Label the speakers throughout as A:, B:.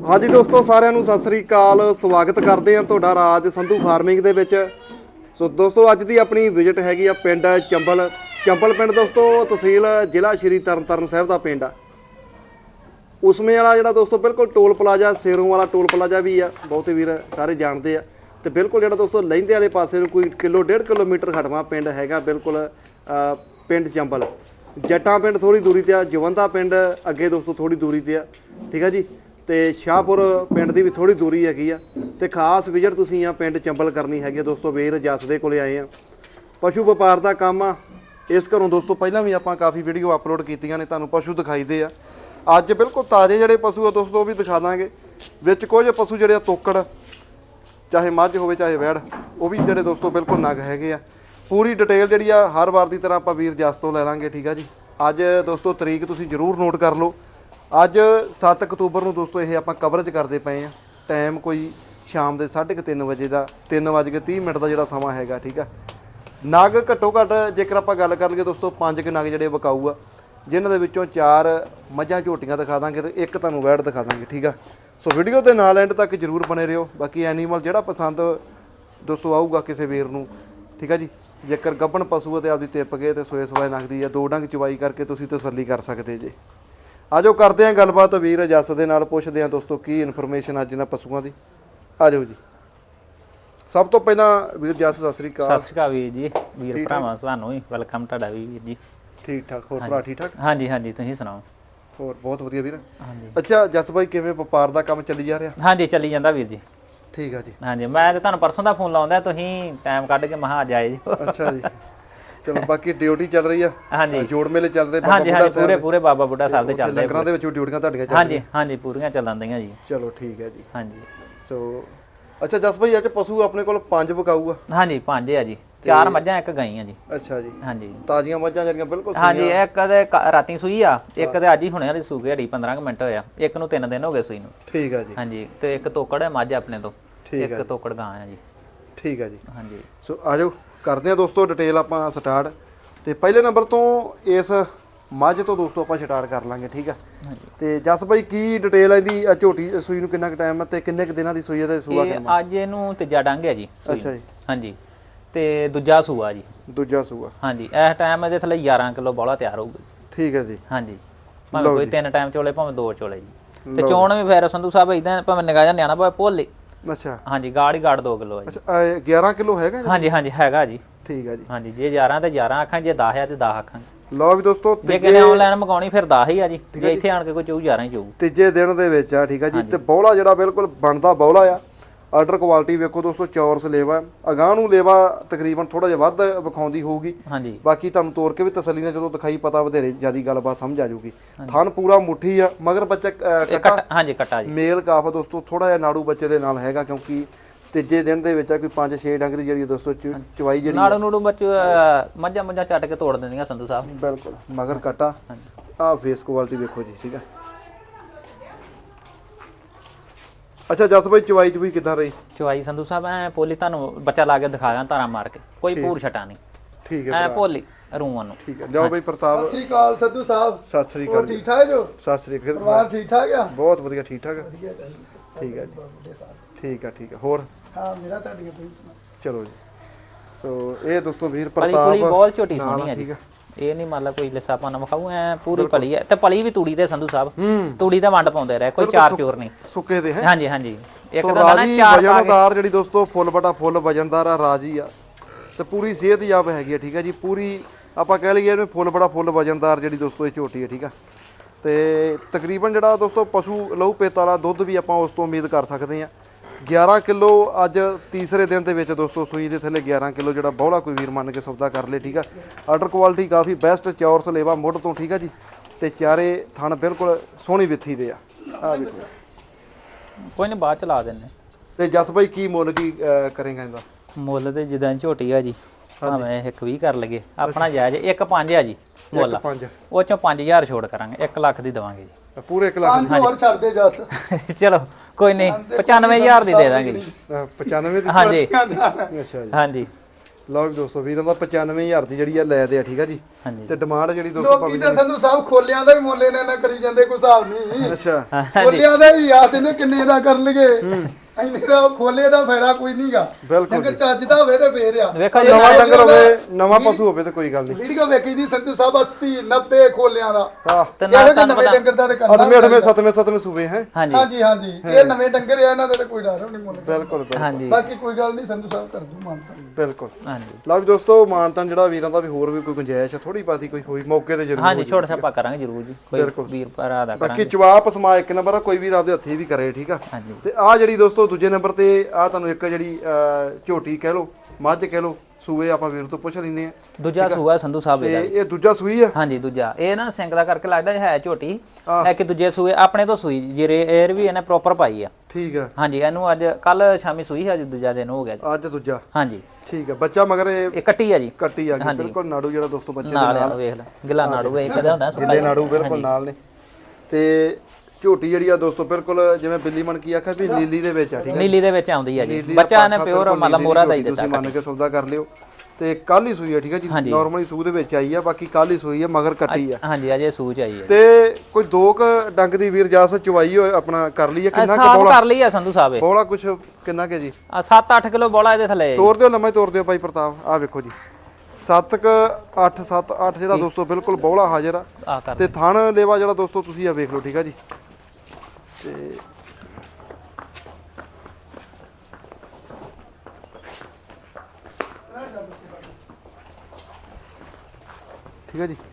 A: ਹਾਂਜੀ ਦੋਸਤੋ ਸਾਰਿਆਂ ਨੂੰ ਸਤਿ ਸ੍ਰੀ ਅਕਾਲ। ਸਵਾਗਤ ਕਰਦੇ ਹਾਂ ਤੁਹਾਡਾ ਰਾਜ ਸੰਧੂ ਫਾਰਮਿੰਗ ਦੇ ਵਿੱਚ। ਸੋ ਦੋਸਤੋ ਅੱਜ ਦੀ ਆਪਣੀ ਵਿਜ਼ਿਟ ਹੈਗੀ ਆ ਪਿੰਡ ਚੰਬਲ ਪਿੰਡ ਦੋਸਤੋ, ਤਹਿਸੀਲ ਜ਼ਿਲ੍ਹਾ ਸ਼੍ਰੀ ਤਰਨਤਾਰਨ ਸਾਹਿਬ ਦਾ ਪਿੰਡ ਆ। ਉਸਮੇ ਵਾਲਾ ਜਿਹੜਾ ਦੋਸਤੋ ਬਿਲਕੁਲ ਟੋਲ ਪਲਾਜ਼ਾ, ਸੇਰੋਂ ਵਾਲਾ ਟੋਲ ਪਲਾਜ਼ਾ ਵੀ ਆ, ਬਹੁਤੇ ਵੀਰ ਸਾਰੇ ਜਾਣਦੇ ਆ। ਤੇ ਬਿਲਕੁਲ ਜਿਹੜਾ ਦੋਸਤੋ ਲਹਿੰਦੇ ਵਾਲੇ ਪਾਸੇ ਨੂੰ ਕੋਈ 1.5 ਕਿਲੋਮੀਟਰ ਹਟਵਾ ਪਿੰਡ ਹੈਗਾ ਬਿਲਕੁਲ ਪਿੰਡ ਚੰਬਲ। ਜੱਟਾਂ ਪਿੰਡ ਥੋੜੀ ਦੂਰੀ ਤੇ ਆ, ਜਵੰਦਾ ਪਿੰਡ ਅੱਗੇ ਦੋਸਤੋ ਥੋੜੀ ਦੂਰੀ ਤੇ ਆ, ਠੀਕ ਆ ਜੀ। ਤੇ ਸ਼ਾਹਪੁਰ ਪਿੰਡ ਦੀ ਵੀ ਥੋੜੀ ਦੂਰੀ ਹੈਗੀ ਆ। ਤੇ ਖਾਸ ਵਿਜ਼ਿਟ ਤੁਸੀਂ ਆ ਪਿੰਡ ਚੰਬਲ ਕਰਨੀ ਹੈਗੀ ਦੋਸਤੋ। ਵੀਰ ਜੱਸ ਦੇ ਕੋਲੇ ਆਏ ਆ, ਪਸ਼ੂ ਵਪਾਰ ਦਾ ਕੰਮ ਆ ਇਸ ਘਰੋਂ ਦੋਸਤੋ। ਪਹਿਲਾਂ ਵੀ ਆਪਾਂ ਕਾਫੀ ਵੀਡੀਓ ਅਪਲੋਡ ਕੀਤੀਆਂ ਨੇ, ਤੁਹਾਨੂੰ ਪਸ਼ੂ ਦਿਖਾਈਦੇ ਆ। ਅੱਜ ਬਿਲਕੁਲ ਤਾਜ਼ੇ ਜਿਹੜੇ ਪਸ਼ੂ ਆ ਦੋਸਤੋ ਉਹ ਵੀ ਦਿਖਾ ਦਾਂਗੇ। ਵਿੱਚ ਕੁਝ ਪਸ਼ੂ ਜਿਹੜੇ ਆ ਤੋਕੜ, ਚਾਹੇ ਮੱਝ ਹੋਵੇ ਚਾਹੇ ਵੈੜ, ਉਹ ਵੀ ਜਿਹੜੇ ਦੋਸਤੋ ਬਿਲਕੁਲ ਨਗ ਹੈਗੇ ਆ। ਪੂਰੀ ਡਿਟੇਲ ਜਿਹੜੀ ਆ ਹਰ ਵਾਰ ਦੀ ਤਰ੍ਹਾਂ ਆਪਾਂ ਵੀਰ ਜੱਸ ਤੋਂ ਲੈ ਲਾਂਗੇ, ਠੀਕ ਆ ਜੀ। ਅੱਜ ਦੋਸਤੋ ਤਰੀਕ ਤੁਸੀਂ ਜ਼ਰੂਰ ਨੋਟ ਕਰ ਲਓ। ਅੱਜ 7 ਅਕਤੂਬਰ ਨੂੰ ਦੋਸਤੋ ਇਹ ਆਪਾਂ ਕਵਰੇਜ ਕਰਦੇ ਪਏ ਆ। ਟਾਈਮ ਕੋਈ ਸ਼ਾਮ ਦੇ 3:30 ਵਜੇ ਦਾ, 3:30 ਦਾ ਜਿਹੜਾ ਸਮਾਂ ਹੈਗਾ, ਠੀਕ ਆ। ਨਗ ਘੱਟੋ ਘੱਟ ਜੇਕਰ ਆਪਾਂ ਗੱਲ ਕਰ ਲਈਏ ਦੋਸਤੋ 5 ਨਗ ਜਿਹੜੇ ਵਿਕਾਊ ਆ, ਜਿਨ੍ਹਾਂ ਦੇ ਵਿੱਚੋਂ 4 ਮੱਝਾਂ ਝੋਟੀਆਂ ਦਿਖਾ ਦਾਂਗੇ ਤੇ ਇੱਕ ਤੁਹਾਨੂੰ ਵੈੜ ਦਿਖਾ ਦਾਂਗੇ, ਠੀਕ ਆ। ਸੋ ਵੀਡੀਓ ਦੇ ਨਾਲ ਐਂਡ ਤੱਕ ਜ਼ਰੂਰ ਬਣੇ ਰਹੋ। ਬਾਕੀ ਐਨੀਮਲ ਜਿਹੜਾ ਪਸੰਦ ਦੋਸਤੋ ਆਊਗਾ ਕਿਸੇ ਵੀਰ ਨੂੰ, ਠੀਕ ਆ ਜੀ। ਜੇਕਰ ਗੱਭਣ ਪਸ਼ੂ ਤੇ ਆਪਦੀ ਤਿੱਪ ਗਏ ਤੇ ਸੋਏ ਸਵਾਏ ਨਗਦੀ ਆ, 2 ਡੰਗ ਚਵਾਈ ਕਰਕੇ ਤੁਸੀਂ ਤਸੱਲੀ ਕਰ ਸਕਦੇ ਜੇ। ਆਜੋ ਕਰਦੇ ਆਂ ਗੱਲਬਾਤ ਵੀਰ ਜੱਸ ਦੇ ਨਾਲ, ਪੁੱਛਦੇ ਆਂ ਦੋਸਤੋ ਕੀ ਇਨਫੋਰਮੇਸ਼ਨ ਅੱਜ ਇਹਨਾਂ ਪਸ਼ੂਆਂ ਦੀ। ਆਜੋ ਜੀ। ਸਭ ਤੋਂ ਪਹਿਲਾਂ ਵੀਰ ਜੱਸ ਸਤਿ ਸ੍ਰੀ ਅਕਾਲ।
B: ਸਤਿ ਸ਼੍ਰੀ ਅਕਾਲ ਵੀਰ ਜੀ, ਵੀਰ ਭਰਾਵਾਂ ਤੁਹਾਨੂੰ ਵੀ ਵੈਲਕਮ ਤੁਹਾਡਾ ਵੀ ਵੀਰ ਜੀ।
A: ਠੀਕ ਠਾਕ, ਹੋਰ ਭਰਾ ਠੀਕ ਠਾਕ?
B: ਹਾਂਜੀ ਹਾਂਜੀ, ਤੁਸੀਂ ਸੁਣਾਓ?
A: ਹੋਰ ਬਹੁਤ ਵਧੀਆ ਵੀਰ।
B: ਹਾਂਜੀ।
A: ਅੱਛਾ ਜੱਸ ਬਾਈ, ਕਿਵੇਂ ਵਪਾਰ ਦਾ ਕੰਮ ਚੱਲੀ ਜਾ ਰਿਹਾ?
B: ਹਾਂਜੀ ਚੱਲੀ ਜਾਂਦਾ ਵੀਰ ਜੀ।
A: ਠੀਕ ਆ ਜੀ।
B: ਹਾਂਜੀ, ਮੈਂ ਤੇ ਤੁਹਾਨੂੰ ਪਰਸੋਂ ਦਾ ਫੋਨ ਲਾਉਂਦਾ, ਤੁਸੀਂ ਟਾਈਮ ਕੱਢ ਕੇ ਮਹਾ ਅੱਜ ਆਏ ਜੀ।
A: ਅੱਛਾ ਜੀ, ਚਲੋ। ਬਾਕੀ ਡਿਊਟੀ ਚੱਲ ਰਹੀ ਆ,
B: ਹਾਂਜੀ
A: ਜੋੜ ਮੇਲੇ ਚੱਲ ਰਹੇ
B: ਹਾਂਜੀ ਹਾਂਜੀ, ਪੂਰੇ ਬਾਬਾ ਬੁੱਢਾ ਸਾਹਿਬ ਦੇ ਚੱਲਦੇ।
A: ਲੰਗਰਾਂ ਦੇ ਵਿੱਚ ਡਿਊਟੀਆਂ ਤੁਹਾਡੀਆਂ ਚੱਲ
B: ਹਾਂਜੀ ਹਾਂਜੀ, ਪੂਰੀਆਂ ਚੱਲਦੀਆਂ ਜੀ।
A: ਚਲੋ ਠੀਕ ਹੈ ਜੀ।
B: ਹਾਂਜੀ।
A: ਸੋ ਅੱਛਾ ਜੱਸ ਬਾਈ, ਅੱਜ ਪਸ਼ੂ ਆਪਣੇ ਕੋਲ 5 ਵਿਕਾਊ ਆ?
B: ਹਾਂਜੀ 5 ਆ ਜੀ, 4 ਮੱਝਾਂ 1 ਗਾਈ ਆ ਜੀ।
A: ਅੱਛਾ ਜੀ।
B: ਹਾਂਜੀ,
A: ਤਾਜ਼ੀਆਂ ਮੱਝਾਂ ਜਿਹੜੀਆਂ ਬਿਲਕੁਲ
B: ਹਾਂਜੀ। ਇੱਕ ਤੇ ਰਾਤੀ ਸੂਈ ਆ, ਇੱਕ ਤੇ ਅੱਜ ਹੀ ਹੁਣੇ ਵਾਲੀ ਸੂ ਕੇ ਹੜੀ, 15 ਮਿੰਟ ਹੋਇਆ। ਇੱਕ ਨੂੰ 3 ਦਿਨ ਹੋ ਗਏ ਸੂਈ ਨੂੰ।
A: ਠੀਕ ਆ ਜੀ।
B: ਹਾਂਜੀ, ਤੇ ਇੱਕ ਤੋਕੜ ਹੈ ਮੱਝ ਆਪਣੇ ਤੋਂ,
A: ਠੀਕ
B: ਇੱਕ ਤੋਕੜ ਗਾਂ ਆ ਜੀ।
A: ਠੀਕ ਆ ਜੀ।
B: ਹਾਂਜੀ।
A: ਸੋ ਆਜੋ ਕਰਦੇ ਆ ਦੋਸਤੋ ਡਿਟੇਲ ਆਪਾਂ ਸਟਾਰਟ। ਤੇ ਪਹਿਲੇ ਨੰਬਰ ਤੋਂ ਇਸ ਮੱਝ ਤੋਂ ਦੋਸਤੋ ਆਪਾਂ ਸਟਾਰਟ ਕਰ ਲਾਂਗੇ, ਠੀਕ ਆ। ਤੇ ਜੱਸ ਬਾਈ ਕੀ ਡਿਟੇਲ ਇਹਦੀ? ਝੋਟੀ ਸੂਈ ਨੂੰ ਕਿੰਨਾ ਕੁ ਟਾਈਮ ਤੇ ਕਿੰਨੇ ਕੁ ਦਿਨਾਂ ਦੀ ਸੂਈ ਹੈ ਤੇ ਸੂਆ ਕਿੰਨਾ?
B: ਅੱਜ ਇਹਨੂੰ ਤੀਜਾ ਡੰਗ ਹੈ ਜੀ।
A: ਅੱਛਾ ਜੀ।
B: ਹਾਂਜੀ, ਤੇ ਦੂਜਾ ਸੂਆ ਜੀ।
A: ਦੂਜਾ ਸੂਆ।
B: ਹਾਂਜੀ, ਇਸ ਟਾਈਮ ਇਹਦੇ ਥੱਲੇ 11 ਕਿਲੋ ਬੋਲਾ ਤਿਆਰ ਹੋਊਗਾ।
A: ਠੀਕ ਹੈ ਜੀ।
B: ਹਾਂਜੀ, ਭਾਵੇਂ ਕੋਈ 3 ਟਾਈਮ ਚੋਲੇ ਭਾਵੇਂ 2 ਚੋਲੇ ਜੀ। ਤੇ ਚੋਣ ਵੀ ਫੇਰ ਸੰਧੂ ਸਾਹਿਬ ਇਦਾਂ, ਭਾਵੇਂ ਨਿਗਾਹ ਜਾਂ ਨਿਆਣਾ ਭਾਵੇਂ ਭੋਲੇ।
A: ਅੱਛਾ।
B: ਹਾਂਜੀ, ਗਾੜ ਹੀ ਗਾੜ 2 ਕਿਲੋ ਹੈ ਜੀ।
A: ਅੱਛਾ 11 ਕਿਲੋ ਹੈਗਾ?
B: ਹਾਂਜੀ ਹਾਂਜੀ ਹੈਗਾ ਜੀ।
A: ਠੀਕ ਹੈ ਜੀ।
B: ਹਾਂਜੀ, ਜੇ 11 ਤੇ 11 ਆਖਾਂ, ਜੇ 10 ਆ ਤੇ 10 ਆਖਾਂ।
A: ਲਓ ਵੀ ਦੋਸਤੋ,
B: ਜੇ ਕਿਨੇ ਆਨਲਾਈਨ ਮੰਗਾਉਣੀ ਫਿਰ 10 ਹੀ ਆ ਜੀ, ਜੇ ਇੱਥੇ ਆਣ ਕੇ ਕੋਈ 11 ਹੀ ਚਾਹੂ।
A: ਤੀਜੇ ਦਿਨ ਦੇ ਵਿੱਚ ਆ, ਠੀਕ ਆ ਜੀ। ਤੇ ਬੌਲਾ ਜਿਹੜਾ ਬਿਲਕੁਲ ਬਣਦਾ ਬੌਲਾ ਆ। ਆਰਡਰ ਕੁਆਲਿਟੀ ਵੇਖੋ ਦੋਸਤੋ, ਚੌਰਸ ਲੇਵਾ। ਅਗਾਂਹ ਨੂੰ ਲੇਵਾ ਤਕਰੀਬਨ ਥੋੜਾ ਜਿਹਾ ਵੱਧ ਵਿਖਾਉਂਦੀ ਹੋਊਗੀ।
B: ਹਾਂਜੀ।
A: ਬਾਕੀ ਤੁਹਾਨੂੰ ਤੋੜ ਕੇ ਵੀ ਤਸੱਲੀ ਨਾਲ ਜਦੋਂ ਦਿਖਾਈ ਪਤਾ ਵਧੇਰੇ ਜਿਆਦੀ ਗੱਲਬਾਤ ਸਮਝ ਆ ਜਾਊਗੀ। ਥਣ ਪੂਰਾ ਮੁੱਠੀ ਆ, ਮਗਰ ਬੱਚਾ ਕੱਟਾ।
B: ਹਾਂਜੀ ਕੱਟਾ ਜੀ।
A: ਮੇਲ ਕਾਫ ਦੋਸਤੋ ਥੋੜਾ ਜਿਹਾ ਨਾੜੂ ਬੱਚੇ ਦੇ ਨਾਲ ਹੈਗਾ, ਕਿਉਂਕਿ ਤੀਜੇ ਦਿਨ ਦੇ ਵਿੱਚ ਆ ਕੋਈ 5-6 ਡੰਗ ਦੀ ਜਿਹੜੀ ਦੋਸਤੋ ਚਵਾਈ ਜਿਹੜੀ
B: ਨਾੜੂ ਨੂੜੂ ਬੱਚ ਮੱਝਾਂ ਚੱਟ ਕੇ ਤੋੜ ਦਿੰਦੀਆਂ ਸੰਧੂ ਸਾਹਿਬ।
A: ਬਿਲਕੁਲ ਮਗਰ ਕੱਟਾ। ਆ ਫੇਸ ਕੁਆਲਿਟੀ ਵੇਖੋ ਜੀ, ਠੀਕ ਆ। ਅੱਛਾ ਜਸ ਬਾਈ, ਚਵਾਈ ਚ ਵੀ ਕਿੱਦਾਂ ਰਹੀ?
B: ਚਵਾਈ ਸੰਧੂ ਸਾਹਿਬ ਐ ਪੋਲੀ, ਤੁਹਾਨੂੰ ਬੱਚਾ ਲਾ ਕੇ ਦਿਖਾ ਦਾਂ ਧਾਰਾਂ ਮਾਰ ਕੇ, ਕੋਈ ਪੂਰ ਛਟਾ ਨਹੀਂ।
A: ਠੀਕ ਹੈ
B: ਐ ਪੋਲੀ ਰੂਹਾਂ ਨੂੰ।
A: ਠੀਕ ਹੈ। ਲਿਓ ਬਈ ਪ੍ਰਤਾਪ।
C: ਸਤਿ ਸ੍ਰੀ ਅਕਾਲ ਸੰਧੂ ਸਾਹਿਬ।
A: ਸਤਿ ਸ੍ਰੀ ਅਕਾਲ।
C: ਠੀਕ ਠਾਕ ਜੋ?
A: ਸਤਿ ਸ੍ਰੀ ਅਕਾਲ।
C: ਪਰਿਵਾਰ ਠੀਕ ਠਾਕ ਆ?
A: ਬਹੁਤ ਵਧੀਆ, ਠੀਕ ਠਾਕ।
C: ਵਧੀਆ
A: ਠੀਕ ਹੈ ਜੀ।
C: ਬੁੱਢੇ ਸਾਹਿਬ।
A: ਠੀਕ ਆ, ਠੀਕ ਆ। ਹੋਰ?
C: ਹਾਂ ਮੇਰਾ ਤੁਹਾਡੀਆਂ ਤੁਸੀਂ ਸੁਣਾ।
A: ਚਲੋ ਜੀ। ਸੋ ਇਹ ਦੋਸਤੋ ਵੀਰ
B: ਪਲੀ
A: ਪ੍ਰਤਾਪ
B: ਪੁਲੀ ਬਹੁਤ ਛੋਟੀ ਸੋਹਣੀ ਹੈ ਜੀ।
A: ਠੀਕ ਆ।
B: ਇਹ ਨਹੀਂ ਮੰਨ ਲਾ ਕੋਈ ਲਿਸਾ ਪਾਣਾ ਵਿਖਾਊ, ਐ ਪੂਰੀ ਪਲੀ ਹੈ। ਤੇ ਪਲੀ ਵੀ ਤੂੜੀ ਦੇ ਸੰਧੂ ਸਾਹਿਬ, ਤੂੜੀ ਦਾ ਵੰਡ ਪਾਉਂਦੇ ਰਹੇ, ਕੋਈ ਚਾਰ ਚੋਰ ਨਹੀਂ।
A: ਸੁੱਕੇ ਦੇ ਹੈ।
B: ਹਾਂਜੀ ਹਾਂਜੀ। ਇੱਕ
A: ਸੋ
B: ਤਾਂ ਨਾ
A: ਰਾਜੀ
B: ਚਾਰ
A: ਵਜਨਦਾਰ ਜਿਹੜੀ ਦੋਸਤੋ ਫੁੱਲ ਬਟਾ ਫੁੱਲ ਵਜਨਦਾਰ ਆ, ਰਾਜੀ ਆ। ਤੇ ਪੂਰੀ ਸਿਹਤਯਾਬ ਹੈਗੀ ਆ, ਠੀਕ ਆ ਜੀ। ਪੂਰੀ ਆਪਾਂ ਕਹਿ ਲਈਏ ਇਹਨੂੰ ਫੁੱਲ ਬੜਾ ਫੁੱਲ ਵਜਨਦਾਰ ਜਿਹੜੀ ਦੋਸਤੋ ਇਹ ਝੋਟੀ ਹੈ, ਠੀਕ ਆ। ਤੇ ਤਕਰੀਬਨ ਜਿਹੜਾ ਦੋਸਤੋ ਪਸ਼ੂ ਲਹੂ ਪੇਤ ਵਾਲਾ ਦੁੱਧ ਵੀ ਆਪਾਂ ਉਸ ਤੋਂ ਉਮੀਦ ਕਰ ਸਕਦੇ ਆ। 11 ਕਿਲੋ ਅੱਜ ਤੀਸਰੇ ਦਿਨ ਦੇ ਵਿੱਚ ਦੋਸਤੋ ਸੂਈ ਦੇ ਥੱਲੇ 11 ਕਿਲੋ ਜਿਹੜਾ ਬੌਲਾ ਕੋਈ ਵੀਰ ਮੰਨ ਕੇ ਸੌਦਾ ਕਰ ਲੇ, ਠੀਕ ਆ। ਆਰਡਰ ਕੁਆਲਿਟੀ ਕਾਫੀ ਬੈਸਟ, ਚੌਰਸ ਲੇਵਾ ਮੁੱਢ ਤੋਂ, ਠੀਕ ਆ ਜੀ। ਤੇ ਚਾਰੇ ਥਣ ਬਿਲਕੁਲ ਸੋਹਣੀ ਵਿੱਥੀ ਦੇ ਆ। ਆ ਵੇਖੋ,
B: ਕੋਈ ਨਹੀਂ ਬਾਅਦ ਚ ਲਾ ਦਿੰਨੇ।
A: ਤੇ ਜਸ ਬਾਈ ਕੀ ਮੁੱਲ ਕੀ ਕਰੇਗਾ ਇਹਦਾ?
B: ਮੁੱਲ ਤੇ ਜਿੱਦਾਂ ਝੋਟੀ ਆ ਜੀ, ਭਾਵੇਂ 120 ਕਰ ਲਗੇ, ਆਪਣਾ ਜਾਇਜ਼ 1.5 ਆ ਜੀ ਮੁੱਲ। ਉਹ ਚੋਂ 5000 ਛੋੜ ਕਰਾਂਗੇ, 1 ਲੱਖ ਦੀ ਦੇਵਾਂਗੇ ਜੀ।
A: ਪੂਰੇ 1 ਲੱਖ
C: ਦੀ? ਹੋਰ ਛੱਡ ਦੇ ਜੱਸ।
B: ਚਲੋ ਕੋਈ ਨਹੀਂ, 95000 ਦੀ ਦੇ ਦਾਂਗੇ ਜੀ।
A: 95 ਦੀ?
B: ਹਾਂਜੀ
A: ਅੱਛਾ ਜੀ।
B: ਹਾਂਜੀ।
A: ਲਓ ਵੀ ਦੋਸਤੋ ਵੀਰਾਂ ਦਾ 95000 ਦੀ ਜਿਹੜੀ ਆ ਲੈ ਦੇ ਆ ਠੀਕ ਆ ਜੀ
B: ਹਾਂਜੀ
A: ਤੇ ਡਿਮਾਂਡ ਜਿਹੜੀ ਦੋਸਤੋ
C: ਲੋਕੀ ਤਾਂ ਸੰਧੂ ਸਾਹਿਬ ਖੋਲਿਆਂ ਦਾ ਹੀ ਮੁੱਲ ਇਹਨਾਂ ਨਾਲ ਕਰੀ ਜਾਂਦੇ ਕੋਈ ਹਿਸਾਬ ਨਹੀਂ
A: ਅੱਛਾ
C: ਖੋਲਿਆਂ ਦਾ ਹੀ ਆ ਤੇ ਕਿੰਨੇ ਦਾ ਕਰਨ ਲਗੇ ਇੰਨੇ ਦਾ ਖੋਲੇ ਦਾ ਫਾਇਦਾ ਕੋਈ ਨਹੀਂਗਾ
A: ਬਿਲਕੁਲ
C: ਡੰਗਰ ਚੱਜ ਦਾ ਹੋਵੇ ਤੇ ਫੇਰ ਆ
B: ਵੇਖੋ ਜੀ
A: ਨਵਾਂ ਡੰਗਰ ਹੋਵੇ ਨਵਾਂ ਪਸ਼ੂ ਹੋਵੇ ਤੇ ਕੋਈ ਗੱਲ ਨਹੀਂ
C: ਵੀਡੀਓ ਵੇਖੀ ਦੀ ਸੰਧੂ ਸਾਹਿਬ 80 90 ਖੋਲਿਆਂ ਦਾ
A: ਹਾਂ
B: ਤੇ
C: ਇਹੋ
B: ਨਾਲ
C: ਜਿਹੇ
B: ਤੁਹਾਨੂੰ
C: ਨਵੇਂ
B: ਪਤਾ
C: ਡੰਗਰ ਦਾ ਤੇ ਕਰਨਾ
A: ਅਠਵੇਂ ਅਠਵੇਂ ਸੱਤਵੇਂ ਸੂਬੇ ਹੈ
B: ਹਾਂਜੀ
C: ਹਾਂਜੀ ਹਾਂਜੀ ਇਹ ਨਵੇਂ ਡੰਗਰ ਆ ਇਹਨਾਂ ਦਾ ਤਾਂ ਕੋਈ ਡਰ ਨਹੀਂ ਮੁੱਲ
A: ਬਿਲਕੁਲ
B: ਹਾਂਜੀ
C: ਬਾਕੀ ਕੋਈ ਗੱਲ ਨਹੀਂ ਸੰਧੂ ਸਾਹਿਬ ਕਰ ਦੂ ਮੰਨਤਾ
A: ਬਿਲਕੁਲ
B: ਹਾਂਜੀ
A: ਲਓ ਵੀ ਦੋਸਤੋ ਮਾਨਤਨ ਜਿਹੜਾ ਵੀਰਾਂ ਦਾ ਵੀ ਹੋਰ ਵੀ ਕੋਈ ਗੁੰਜਾਇਸ਼ ਹੈ ਥੋੜੀ ਬਾਤੀ ਕੋਈ ਹੋਈ ਮੌਕੇ ਤੇ ਜ਼ਰੂਰ
B: ਹਾਂਜੀ ਛੋਟ ਛਾਪਾ ਕਰਾਂਗੇ ਜ਼ਰੂਰ ਜੀ ਕੋਈ ਵੀਰ ਭਰਾ ਦਾ
A: ਬਾਕੀ
B: ਕਰਾਂਗੇ
A: ਜਵਾਬ ਸਮਾ ਇੱਕ ਨੰਬਰ ਆ ਕੋਈ ਵੀ ਆਪਦੇ ਹੱਥੀ ਵੀ ਕਰੇ ਠੀਕ ਆ
B: ਹਾਂਜੀ
A: ਤੇ ਆ ਜਿਹੜੀ ਦੋਸਤੋ ਦੂਜੇ ਨੰਬਰ ਤੇ ਆ ਤੁਹਾਨੂੰ ਇੱਕ ਜਿਹੜੀ ਝੋਟੀ ਕਹਿ ਲਓ ਮੱਝ ਕਹਿ ਲਓ ਸੂਏ ਆਪਾਂ ਵੀਰ ਤੋਂ ਪੁੱਛ ਲੈਂਦੇ ਆ
B: ਦੂਜਾ ਸੂਆ ਸੰਧੂ ਸਾਹਿਬ
A: ਤੇ
B: ਦਾ
A: ਇਹ ਦੂਜਾ ਸੂਈ ਆ
B: ਹਾਂਜੀ ਦੂਜਾ ਇਹ ਨਾ ਸਿੰਗਲਾ ਕਰਕੇ ਲੱਗਦਾ ਹੈ ਝੋਟੀ ਹੈ ਕਿ ਦੂਜੇ ਸੂਏ ਆਪਣੇ ਤੋਂ ਸੂਈ ਜਿਹੜੇ 에ਅਰ ਵੀ ਇਹਨੇ ਪ੍ਰੋਪਰ ਪਾਈ ਆ
A: ਠੀਕ ਆ
B: ਹਾਂਜੀ ਇਹਨੂੰ ਅੱਜ ਕੱਲ ਸ਼ਾਮੀ ਸੂਈ ਹੈ, ਅੱਜ ਦੂਜਾ ਦਿਨ ਹੋ ਗਿਆ ਜੀ
A: ਅੱਜ ਦੂਜਾ
B: ਹਾਂਜੀ
A: ਠੀਕ ਆ ਬੱਚਾ ਮਗਰ ਇਹ
B: ਇਹ ਕੱਟੀ ਆ ਜੀ
A: ਕੱਟੀ ਆ ਗਈ ਬਿਲਕੁਲ ਨਾੜੂ ਜਿਹੜਾ ਦੋਸਤੋ ਬੱਚੇ ਦੇ
B: ਨਾਲ
A: ਨਾਲ
B: ਆ ਵੇਖ ਲੈ ਗਿਲਾ ਨਾੜੂ ਇਹ ਕਦਾ ਹੁੰਦਾ
A: ਗਿੱਲੇ ਨਾੜੂ ਬਿਲਕੁਲ ਨਾਲ ਨੇ ਤੇ ਝੋਟੀ ਜਿਹੜੀ ਆ ਦੋਸਤੋ ਬਿਲਕੁਲ ਜਿਵੇਂ ਬਿੱਲੀ ਮਨ ਕੀ ਆਖਿਆ ਵੀ ਨੀਲੀ ਦੇ ਵਿੱਚ ਆ ਠੀਕ ਆ
B: ਨੀਲੀ ਦੇ ਵਿੱਚ ਆਉਂਦੀ ਆ ਜੀ
A: ਨੀਲੀ
B: ਬੱਚਾ ਨੇ
A: ਆਪਾਂ
B: ਪਿਓਰ
A: ਬਿਲਕੁਲ
B: ਮਤਲਬ
A: ਨੀਲੀ
B: ਮੋਰਾ ਦਾ ਹੀ
A: ਝੋਟੀ
B: ਦਿੱਤਾ
A: ਤੁਸੀਂ ਮੰਨ ਕੇ ਸੌਦਾ ਕਰ ਲਿਓ ਤੇ ਕੱਲ ਹੀ ਸੂਈ ਆ ਠੀਕ ਆ ਜੀ ਨਾਰਮਲੀ ਸੂਹ ਦੇ ਵਿੱਚ ਆਈ ਆ ਬਾਕੀ ਕੱਲ ਹੀ ਸੂਈ ਆ ਮਗਰ ਕੱਟੀ ਆ
B: ਹਾਂਜੀ ਅਜੇ ਸੂਚ ਆਈ ਹੈ
A: ਤੇ ਕੋਈ ਦੋ ਕ ਡੰਗ ਦੀ ਵੀਰ ਜਾਸ ਚਵਾਈ ਹੋਏ ਆਪਣਾ ਕਰ ਲਈ ਆ ਕਿੰਨਾ ਕੁ
B: ਸਾਫ ਕਰ ਲਈ ਆ ਸੰਧੂ ਸਾਹਿਬ ਇਹ
A: ਬੋਲਾ ਕੁਛ ਕਿੰਨਾ ਕੇ ਜੀ
B: ਆ 7-8 ਕਿਲੋ ਬੋਲਾ ਇਹਦੇ ਥੱਲੇ
A: ਤੋਰ ਦਿਓ ਲੰਮਾ ਤੋਰ ਦਿਓ ਭਾਈ ਪ੍ਰਤਾਪ ਆ ਵੇਖੋ ਜੀ 7 ਕ 8 7 8 ਜਿਹੜਾ ਦੋਸਤੋ ਬਿਲਕੁਲ ਬੋਲਾ ਹਾਜ਼ਰ ਆ
B: ਆ ਕਰ
A: ਤੇ ਥਣ ਲੇਵਾ ਜਿਹੜਾ ਦੋਸਤੋ ਤੁਸੀਂ ਆ ਵੇਖ ਲਓ ਠੀਕ ਆ ਜੀ ਤੇ ਠੀਕ ਆ ਜੀ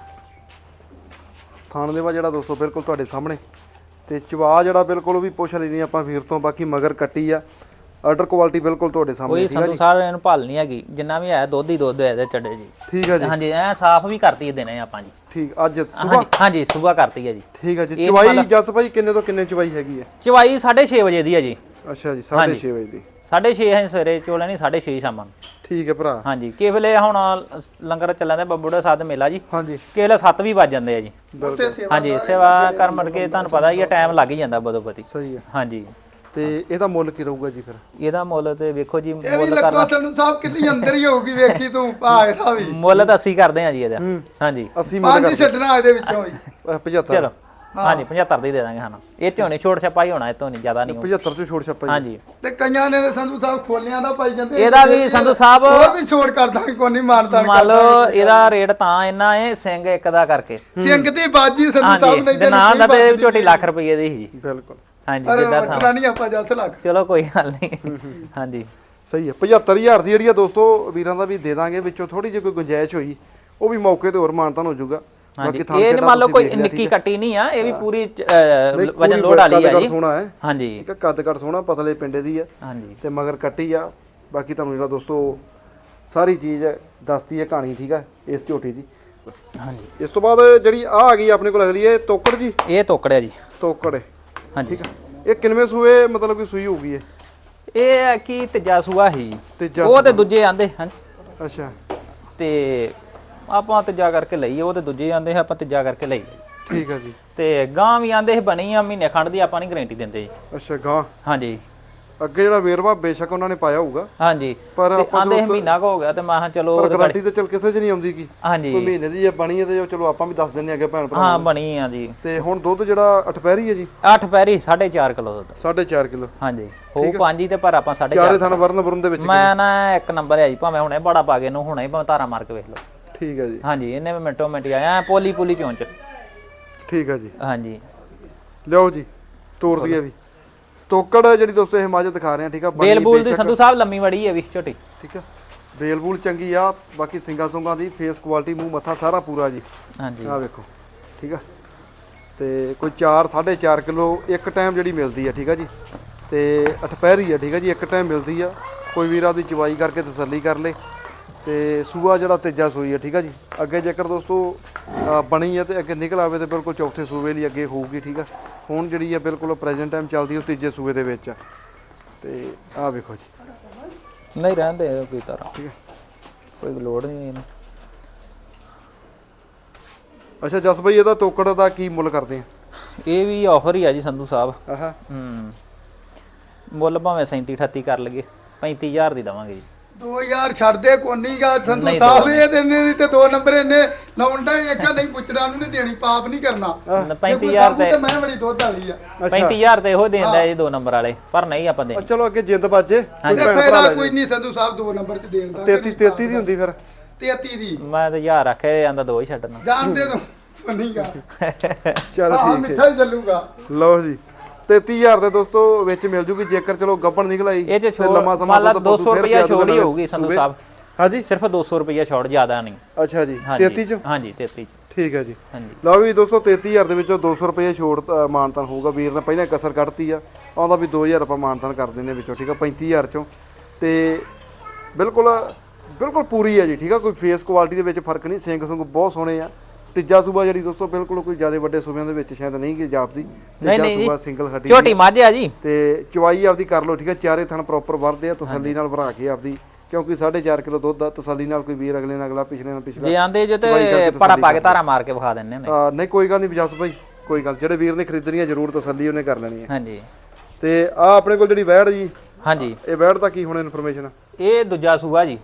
A: ਥਣ ਲੇਵਾ ਜਿਹੜਾ ਦੋਸਤੋ ਬਿਲਕੁਲ ਤੁਹਾਡੇ ਸਾਹਮਣੇ ਤੇ ਚਵਾ ਜਿਹੜਾ ਬਿਲਕੁਲ ਉਹ ਵੀ ਪੁੱਛ ਲੈਣੀ ਆਪਾਂ ਵੀਰ ਤੋਂ ਬਾਕੀ ਮਗਰ ਕੱਟੀ ਆ ਆਰਡਰ ਕੁਆਲਿਟੀ ਬਿਲਕੁਲ ਤੁਹਾਡੇ ਸਾਹਮਣੇ
B: ਕੋਈ ਸੰਧੂ ਸਾਹਿਬ ਇਹਨੂੰ ਭਾਲ ਨਹੀਂ ਹੈਗੀ ਜਿੰਨਾ ਵੀ ਹੈ ਦੁੱਧ ਹੀ ਦੁੱਧ ਹੈ ਇਹਦੇ ਚੱਡੇ ਜੀ
A: ਠੀਕ ਆ ਜੀ
B: ਹਾਂਜੀ ਐ ਸਾਫ ਵੀ ਕਰਤੀ ਦੇਣੇ ਆਪਾਂ ਜੀ
A: ਠੀਕ ਅੱਜ ਸਵੇਰ
B: ਹਾਂਜੀ ਸਵੇਰ ਕਰਤੀ ਹੈ ਜੀ
A: ਠੀਕ ਆ ਜੀ ਚਵਾਈ ਜਸ ਭਾਈ ਕਿੰਨੇ ਤੋਂ ਕਿੰਨੇ ਚਵਾਈ ਹੈਗੀ ਹੈ
B: ਚਵਾਈ 6:30 ਵਜੇ ਦੀ ਹੈ ਜੀ
A: ਅੱਛਾ ਜੀ 6:30 ਵਜੇ ਦੀ
B: 6:30 ਹੈ ਸਵੇਰੇ ਚੋਲੇ ਨਹੀਂ 6:30 ਸ਼ਾਮਾਂ ਨੂੰ
A: ਠੀਕ ਹੈ ਭਰਾ
B: ਹਾਂਜੀ ਕਿਸੇ ਵੇਲੇ ਹੁਣ ਲੰਗਰ ਚੱਲਾਂ ਦਾ ਬੱਬੂੜਾ ਸਾਧ ਮੇਲਾ ਜੀ
A: ਹਾਂਜੀ
B: ਕਿਸੇ ਵੇਲੇ 7 ਵੀ ਵੱਜ ਜਾਂਦੇ ਆ ਜੀ
C: ਉੱਥੇ ਸੇਵਾ
B: ਹਾਂਜੀ ਸੇਵਾ ਕਰ ਮੜ ਕੇ ਤੁਹਾਨੂੰ ਪਤਾ ਹੀ ਆ ਟਾਈਮ ਲੱਗ ਹੀ ਜਾਂਦਾ ਬਦੋ ਬਦੀ
A: ਸਹੀ ਹੈ
B: ਹਾਂਜੀ
A: ਤੇ ਇਹਦਾ ਮੁੱਲ ਕੀ ਰਹੂਗਾ ਜੀ ਫਿਰ
B: ਇਹਦਾ ਮੁੱਲ ਤੇ ਵੇਖੋ ਜੀ
C: ਇਹ ਵੀ
B: ਮੁੱਲ
C: ਲੱਖਾਂ
B: ਕਰਨਾ
C: ਸੰਧੂ ਸਾਹਿਬ ਕਿੰਨੀ ਅੰਦਰ ਹੀ ਹੋਊਗੀ ਵੇਖੀ ਤੂੰ ਭਾਏ ਦਾ ਵੀ
B: ਮੁੱਲ ਤਾਂ 80 ਕਰਦੇ ਆ ਜੀ ਇਹਦਾ ਹਾਂਜੀ
A: 80 ਮੁੱਲ
C: ਪੰਜ ਛੱਡਣਾ ਇਹਦੇ ਵਿੱਚੋਂ ਵੀ
A: 75
B: ਚਲੋ ਹਾਂਜੀ 75 ਦੀ ਦੇ ਦਾਂਗੇ ਹਾਂ ਇਹ ਝੋਨੇ ਛੋਟ ਛਪਾਈ ਹੋਣਾ ਇਹ ਤੋਂ ਨਹੀਂ ਜ਼ਿਆਦਾ ਨਹੀਂ
A: 75 ਤੋਂ ਛੋੜ ਛੱਪਾ ਜੀ
B: ਹਾਂਜੀ
C: ਤੇ ਕਈਆਂ ਨੇ ਤੇ ਸੰਧੂ ਸਾਹਿਬ ਖੋਲਿਆਂ ਦਾ ਪਾਈ ਜਾਂਦੇ
B: ਇਹਦਾ ਵੀ ਸੰਧੂ ਸਾਹਿਬ
C: ਹੋਰ ਵੀ ਛੋੜ ਕਰ ਦਾਂਗੇ ਕੋਈ ਨਹੀਂ ਮਾਨਤਾ
B: ਮੰਨ ਲਓ ਇਹਦਾ ਰੇਟ ਤਾਂ ਇੰਨਾ ਹੈ ਸਿੰਘ ਇੱਕ ਦਾ ਕਰਕੇ
C: ਸਿੰਘ ਦੀ ਬਾਜੀ ਸੰਧੂ ਸਾਹਿਬ
B: ਹਾਂਜੀ
C: ਨਹੀਂ
B: ਦੇ ਨਾਂ ਦਾ ਤੇ ਝੋਟੀ ਲੱਖ ਰੁਪਏ ਦੀ ਸੀ ਜੀ
A: ਬਿਲਕੁਲ
B: ਹਾਂਜੀ
C: ਅਰੇ
B: ਜਿੱਦਾਂ
C: ਵਟਣਾ ਨਹੀਂ ਆਪਾਂ ਜੱਸ ਲੱਖ
B: ਚਲੋ ਕੋਈ ਗੱਲ ਨਹੀਂ ਹਾਂਜੀ
A: ਸਹੀ ਹੈ 75000 ਦੀ ਜਿਹੜੀ ਆ ਦੋਸਤੋ ਵੀਰਾਂ ਦਾ ਵੀ ਦੇ ਦਾਂਗੇ ਵਿੱਚੋਂ ਥੋੜੀ ਜਿਹੀ ਕੋਈ ਗੁੰਜਾਇਸ਼ ਹੋਈ ਉਹ ਵੀ ਮੌਕੇ ਤੇ ਹੋਰ ਮਾਨਤਾਨ ਹੋ ਜਾਊਗਾ
B: ਹਾਂਜੀ ਇਹ ਮੰਨ ਲਓ ਕੋਈ ਨਿੱਕੀ ਕੱਟੀ ਨਹੀਂ ਆ ਇਹ ਵੀ ਪੂਰੀ ਵਜਨ ਲੋਡ ਵਾਲੀ ਆ ਜੀ
A: ਸੋਹਣਾ ਹੈ
B: ਹਾਂਜੀ
A: ਠੀਕ ਹੈ ਕੱਦ ਕੱਟ ਸੋਹਣਾ ਪਤਲੇ ਪਿੰਡੇ ਦੀ ਆ
B: ਹਾਂਜੀ
A: ਤੇ ਮਗਰ ਕੱਟੀ ਆ ਬਾਕੀ ਤੁਹਾਨੂੰ ਜਿਹੜਾ ਦੋਸਤੋ ਸਾਰੀ ਚੀਜ਼ ਦੱਸਦੀ ਹੈ ਕਹਾਣੀ ਠੀਕ ਹੈ ਇਸ ਝੋਟੀ ਦੀ
B: ਹਾਂਜੀ
A: ਇਸ ਤੋਂ ਬਾਅਦ ਜਿਹੜੀ ਆ ਗਈ ਆਪਣੇ ਕੋਲ ਅਗਲੀ ਹੈ ਤੋਕੜ ਜੀ
B: ਇਹ ਤੋਕੜਿਆ ਜੀ
A: ਤੋਕੜ ਹੈ
B: ਹਾਂਜੀ
A: ਠੀਕ ਹੈ ਇਹ ਕਿੰਨਵੇਂ ਸੂਏ ਮਤਲਬ ਕਿ ਸੂਈ ਹੋਊਗੀ
B: ਇਹ ਹੈ ਕਿ ਤੀਜਾ ਸੂਆ ਹੀ
A: ਤੀਜਾ
B: ਉਹ ਤੇ ਦੂਜੇ ਆਂਦੇ ਹਨ
A: ਅੱਛਾ
B: ਤੇ ਆਪਾਂ ਤੀਜਾ ਕਰਕੇ ਲਈਏ ਉਹ ਤੇ ਦੂਜੇ ਆਂਦੇ ਆਪਾਂ ਤੀਜਾ ਕਰਕੇ ਲਈਏ
A: ਠੀਕ ਹੈ ਜੀ
B: ਤੇ ਗਾਂ ਵੀ ਆਂਦੇ ਸੀ ਬਣੀ ਆ ਮਹੀਨੇ ਖੰਡ ਦੀ ਆਪਾਂ ਨਹੀਂ ਗਾਰੰਟੀ ਦਿੰਦੇ ਜੀ
A: ਅੱਛਾ ਗਾਂ
B: ਹਾਂਜੀ
A: ਅੱਗੇ ਜਿਹੜਾ ਵੇਰਵਾ ਬੇਸ਼ੱਕ ਉਹਨਾਂ ਨੇ ਪਾਇਆ ਹੋਊਗਾ
B: ਹਾਂਜੀ
A: ਪਰ
B: ਤੇ
A: ਆਪਾਂ
B: ਆਂਦੇ ਸੀ ਮਹੀਨਾ ਕੁ ਹੋ ਗਿਆ ਤੇ ਮੈਂ ਕਿਹਾ ਚਲੋ
A: ਪਰ
B: ਉਹਦੇ
A: ਗਾਰੰਟੀ ਤੇ ਚਲ ਕਿਸੇ 'ਚ ਨਹੀਂ ਆਉਂਦੀ ਕੀ
B: ਹਾਂਜੀ
A: ਕੋਈ ਮਹੀਨੇ ਦੀ ਜੇ ਬਣੀ ਹੈ ਤੇ ਚਲੋ ਆਪਾਂ ਵੀ ਦੱਸ ਦਿੰਨੇ ਅੱਗੇ ਭੈਣ ਭਰਾ
B: ਹਾਂ ਬਣੀ ਆ ਜੀ
A: ਤੇ ਹੁਣ ਦੁੱਧ ਜਿਹੜਾ ਅਠਪਹਿਰੀ ਹੈ ਜੀ
B: 8 ਪੈਰੀ 4.5 ਕਿਲੋ ਦੁੱਧ
A: 4.5 ਕਿਲੋ
B: ਹਾਂਜੀ ਹੋ ਪੰਜ ਹੀ ਤੇ ਪਰ ਆਪਾਂ 4.5
A: ਚਾਰੇ ਥਣ ਵਰਨ ਵਰਨ ਦੇ ਵਿੱਚ
B: ਮੈਂ ਨਾ ਇੱਕ ਨੰਬਰ ਹੈ ਜੀ ਭਾਵੇਂ ਹੁਣੇ ਬੜਾ ਪਾ ਕੇ ਇਹਨੂੰ ਹੁਣੇ ਭਾਵੇਂ ਧਾਰਾ ਮਾਰ ਕੇ ਵੇਖ ਲਓ
A: ਠੀਕ ਹੈ ਜੀ
B: ਹਾਂਜੀ ਇਹਨੇ ਵੀ ਮਿੰਟੋ ਮਿੰਟ ਹੀ ਆਇਆ ਪੋਲੀ ਪੋਲੀ ਚੋਂਚ
A: ਠੀਕ ਹੈ ਜੀ
B: ਹਾਂਜੀ
A: ਲਿਓ ਜੀ ਤੋਰ ਦਈਏ ਵੀ ਤੋਕੜ ਜਿਹੜੀ ਦੋਸਤੋ ਇਹ ਮਾਜ ਦਿਖਾ ਰਹੇ ਆ ਠੀਕ ਆ ਬਣੀ
B: ਬੇਲਬੂਲ ਦੀ ਸੰਧੂ ਸਾਹਿਬ ਲੰਮੀ ਵੜੀ ਹੈ ਵੀ ਛੋਟੀ
A: ਠੀਕ ਆ ਬੇਲਬੂਲ ਚੰਗੀ ਆ ਬਾਕੀ ਸਿੰਗਾ ਸੁੰਗਾ ਦੀ ਫੇਸ ਕੁਆਲਿਟੀ ਮੂੰਹ ਮੱਥਾ ਸਾਰਾ ਪੂਰਾ ਜੀ
B: ਹਾਂਜੀ
A: ਆ ਵੇਖੋ ਠੀਕ ਆ ਤੇ ਕੋਈ 4 4.5 ਕਿਲੋ ਇੱਕ ਟਾਈਮ ਜਿਹੜੀ ਮਿਲਦੀ ਆ ਠੀਕ ਆ ਜੀ ਤੇ ਅਠਪਹਿਰੀ ਆ ਠੀਕ ਆ ਜੀ ਇੱਕ ਟਾਈਮ ਮਿਲਦੀ ਆ ਕੋਈ ਵੀਰ ਆਪਦੀ ਚਵਾਈ ਕਰਕੇ ਤਸੱਲੀ ਕਰ ਲੇ ਤੇ ਸੂਆ ਜਿਹੜਾ ਤੀਜਾ ਸੂਈ ਆ ਠੀਕ ਆ ਜੀ ਅੱਗੇ ਜੇਕਰ ਦੋਸਤੋ ਬਣੀ ਆ ਤੇ ਅੱਗੇ ਨਿਕਲ ਆਵੇ ਤੇ ਬਿਲਕੁਲ ਚੌਥੇ ਸੂਏ ਲਈ ਅੱਗੇ ਹੋਊਗੀ ਠੀਕ ਆ ਹੁਣ ਜਿਹੜੀ ਆ ਬਿਲਕੁਲ ਪ੍ਰੈਜ਼ੈਂਟ ਟਾਈਮ ਚੱਲਦੀ ਉਹ ਤੀਜੇ ਸੂਏ ਦੇ ਵਿੱਚ ਆ ਤੇ ਆ ਵੇਖੋ ਜੀ
B: ਨਹੀਂ ਰਹਿੰਦੇ ਕੋਈ ਤਰ੍ਹਾਂ
A: ਠੀਕ ਹੈ
B: ਕੋਈ ਲੋੜ ਨਹੀਂ ਇਹਨੂੰ
A: ਅੱਛਾ ਜਸ ਭਾਈ ਇਹਦਾ ਤੋਕੜ ਦਾ ਕੀ ਮੁੱਲ ਕਰਦੇ ਆ
B: ਇਹ ਵੀ ਆਫਰ ਹੀ ਆ ਜੀ ਸੰਧੂ ਸਾਹਿਬ
A: ਆਹਾ
B: ਮੁੱਲ ਭਾਵੇਂ 37 38 ਕਰ ਲਗੇ 35000 ਦੀ ਦਵਾਂਗੇ ਜੀ
C: 2000 ਛੱਡਦੇ ਕੋਨੀਗਾ ਸੰਧੂ
B: ਨਹੀਂ,
C: ਸਾਹਿਬ
B: ਦੋ
C: ਇਹ ਦੇਣੇ ਨਹੀਂ ਤੇ 2 ਨੰਬਰ ਇਹਨੇ ਲਾਉਂਦਾ ਹੀ ਵੇਖਿਆ ਨਹੀਂ ਪੁੱਛਣਾ ਨੂੰ ਨਹੀਂ ਦੇਣੀ ਪਾਪ ਨਹੀਂ ਕਰਨਾ
B: 35,000
C: ਤੇ ਮੈਂ ਬੜੀ ਦੁੱਧ ਵਾਲੀ ਆ
B: 35,000 ਤੇ ਇਹੋ ਦੇਂਦਾ ਜੀ 2 ਨੰਬਰ ਵਾਲੇ ਪਰ ਨਹੀਂ ਆਪਾਂ ਦੇਣੀ
A: ਚਲੋ ਅੱਗੇ ਜਿੱਦ ਬਾਜੇ
C: ਤੇ ਫਾਇਦਾ ਕੋਈ ਨਹੀਂ ਸੰਧੂ ਸਾਹਿਬ 2 ਨੰਬਰ ਚ ਦੇਣ ਦਾ
A: 33 ਦੀ ਹੁੰਦੀ ਫਿਰ
C: 33 ਦੀ
B: ਮੈਂ ਤਾਂ 1000 ਰੱਖਿਆ ਜਾਂਦਾ 2 ਹੀ ਛੱਡਣਾ
C: ਜਾਣਦੇ ਤੂੰ ਕੋਨੀਗਾ
A: ਚਲੋ
C: ਹਾਂ
A: ਠੀਕ
C: ਮਿੱਠਾ ਹੀ ਚੱਲੂਗਾ
A: ਲਓ ਜੀ 33000 ਦੇ ਦੋਸਤੋ ਵਿੱਚ ਮਿਲ ਜੂਗੀ ਜੇਕਰ ਚਲੋ ਗੱਬਣ ਨਿਕਲ ਆਈ
B: ਇਹ ਚ
A: ਫਿਰ ਲੰਮਾ ਸਮਾਂ
B: ਮੰਨ ਲਾ
A: ਦੁੱਧ
B: 200
A: ਫਿਰ
B: ਰੁਪਇਆ
A: ਜ਼ਿਆਦਾ
B: ਛੋੜ ਹੀ
A: ਨਵੇਂ
B: ਹੋਊਗੀ ਸੰਧੂ
A: ਸੂਬੇ।
B: ਸਾਹਿਬ
A: ਹਾਂਜੀ
B: ਸਿਰਫ 200 ਰੁਪਇਆ ਛੋੜ ਜ਼ਿਆਦਾ ਨਹੀਂ
A: ਅੱਛਾ ਜੀ
B: ਹਾਂਜੀ
A: 33 ਚ
B: ਹਾਂਜੀ 33
A: ਠੀਕ ਹੈ ਜੀ
B: ਹਾਂਜੀ
A: ਲਓ ਵੀ ਦੋਸਤੋ 33000 ਦੇ ਵਿੱਚੋਂ 200 ਰੁਪਏ ਛੋੜ ਮਾਨਤਾਨ ਹੋਊਗਾ ਵੀਰ ਨੇ ਪਹਿਲਾਂ ਕਸਰ ਕੱਢਤੀ ਆ ਆਉਂਦਾ ਵੀ 2000 ਆਪਾਂ ਮਾਨਤਾਨ ਕਰ ਦਿੰਦੇ ਵਿੱਚੋਂ ਠੀਕ ਆ 35000 ਚੋਂ ਤੇ ਬਿਲਕੁਲ ਬਿਲਕੁਲ ਪੂਰੀ ਆ ਜੀ ਠੀਕ ਆ ਕੋਈ ਫੇਸ ਕੁਆਲਿਟੀ ਦੇ ਵਿੱਚ ਫਰਕ ਨਹੀਂ ਸਿੰਘ ਸੁੰਗ ਬਹੁਤ ਸੋਹਣੇ ਆ ਤੀਜਾ ਸੂਬਾ ਜਿਹੜੀ ਦੋਸਤੋ ਬਿਲਕੁਲ ਕੋਈ ਜ਼ਿਆਦਾ ਵੱਡੇ ਸੂਬਿਆਂ ਦੇ ਵਿੱਚ ਸ਼ਾਇਦ ਨਹੀਂ ਕਿ ਜਾਪਦੀ ਤੀਜਾ ਸੂਬਾ ਸਿੰਗਲ ਹੱਡੀ
B: ਝੋਟੀ ਮੱਝ ਆ ਜੀ
A: ਤੇ ਚਵਾਈ ਆਪਦੀ ਕਰ ਲਓ ਠੀਕ ਆ ਚਾਰੇ ਥਣ ਪ੍ਰੋਪਰ ਵਰਦੇ ਆ ਤਸੱਲੀ ਨਾਲ ਭਰਾ ਕੇ ਆਪਦੀ ਕਿਉਂਕਿ 4.5 ਕਿਲੋ ਦੁੱਧ ਦਾ ਤਸੱਲੀ ਨਾਲ ਕੋਈ ਵੀਰ ਅਗਲੇ ਨਾਲ ਅਗਲਾ ਪਿਛਲੇ ਨਾਲ ਪਿਛਲਾ
B: ਜੇ ਆਂਦੇ ਜੋ ਤੇ ਪੜਾ ਪਾ ਕੇ ਧਾਰਾ ਮਾਰ ਕੇ ਵਿਖਾ ਦਿੰਨੇ ਨੇ
A: ਨਹੀਂ ਕੋਈ ਗੱਲ ਨਹੀਂ ਜਸ ਭਾਈ ਕੋਈ ਗੱਲ ਜਿਹੜੇ ਵੀਰ ਨੇ ਖਰੀਦਣੀ ਆ ਜ਼ਰੂਰ ਤਸੱਲੀ ਉਹਨੇ ਕਰ ਲੈਣੀ ਹੈ
B: ਹਾਂਜੀ
A: ਤੇ ਆ ਆਪਣੇ ਕੋਲ ਜਿਹੜੀ ਵੈੜ ਜੀ
B: ਹਾਂਜੀ
A: ਇਹ ਵੈੜ ਦਾ ਕੀ ਹੁਣ ਇਨਫੋਰਮੇਸ਼ਨ
B: ਇਹ ਦੂਜਾ ਸੂਆ ਜੀ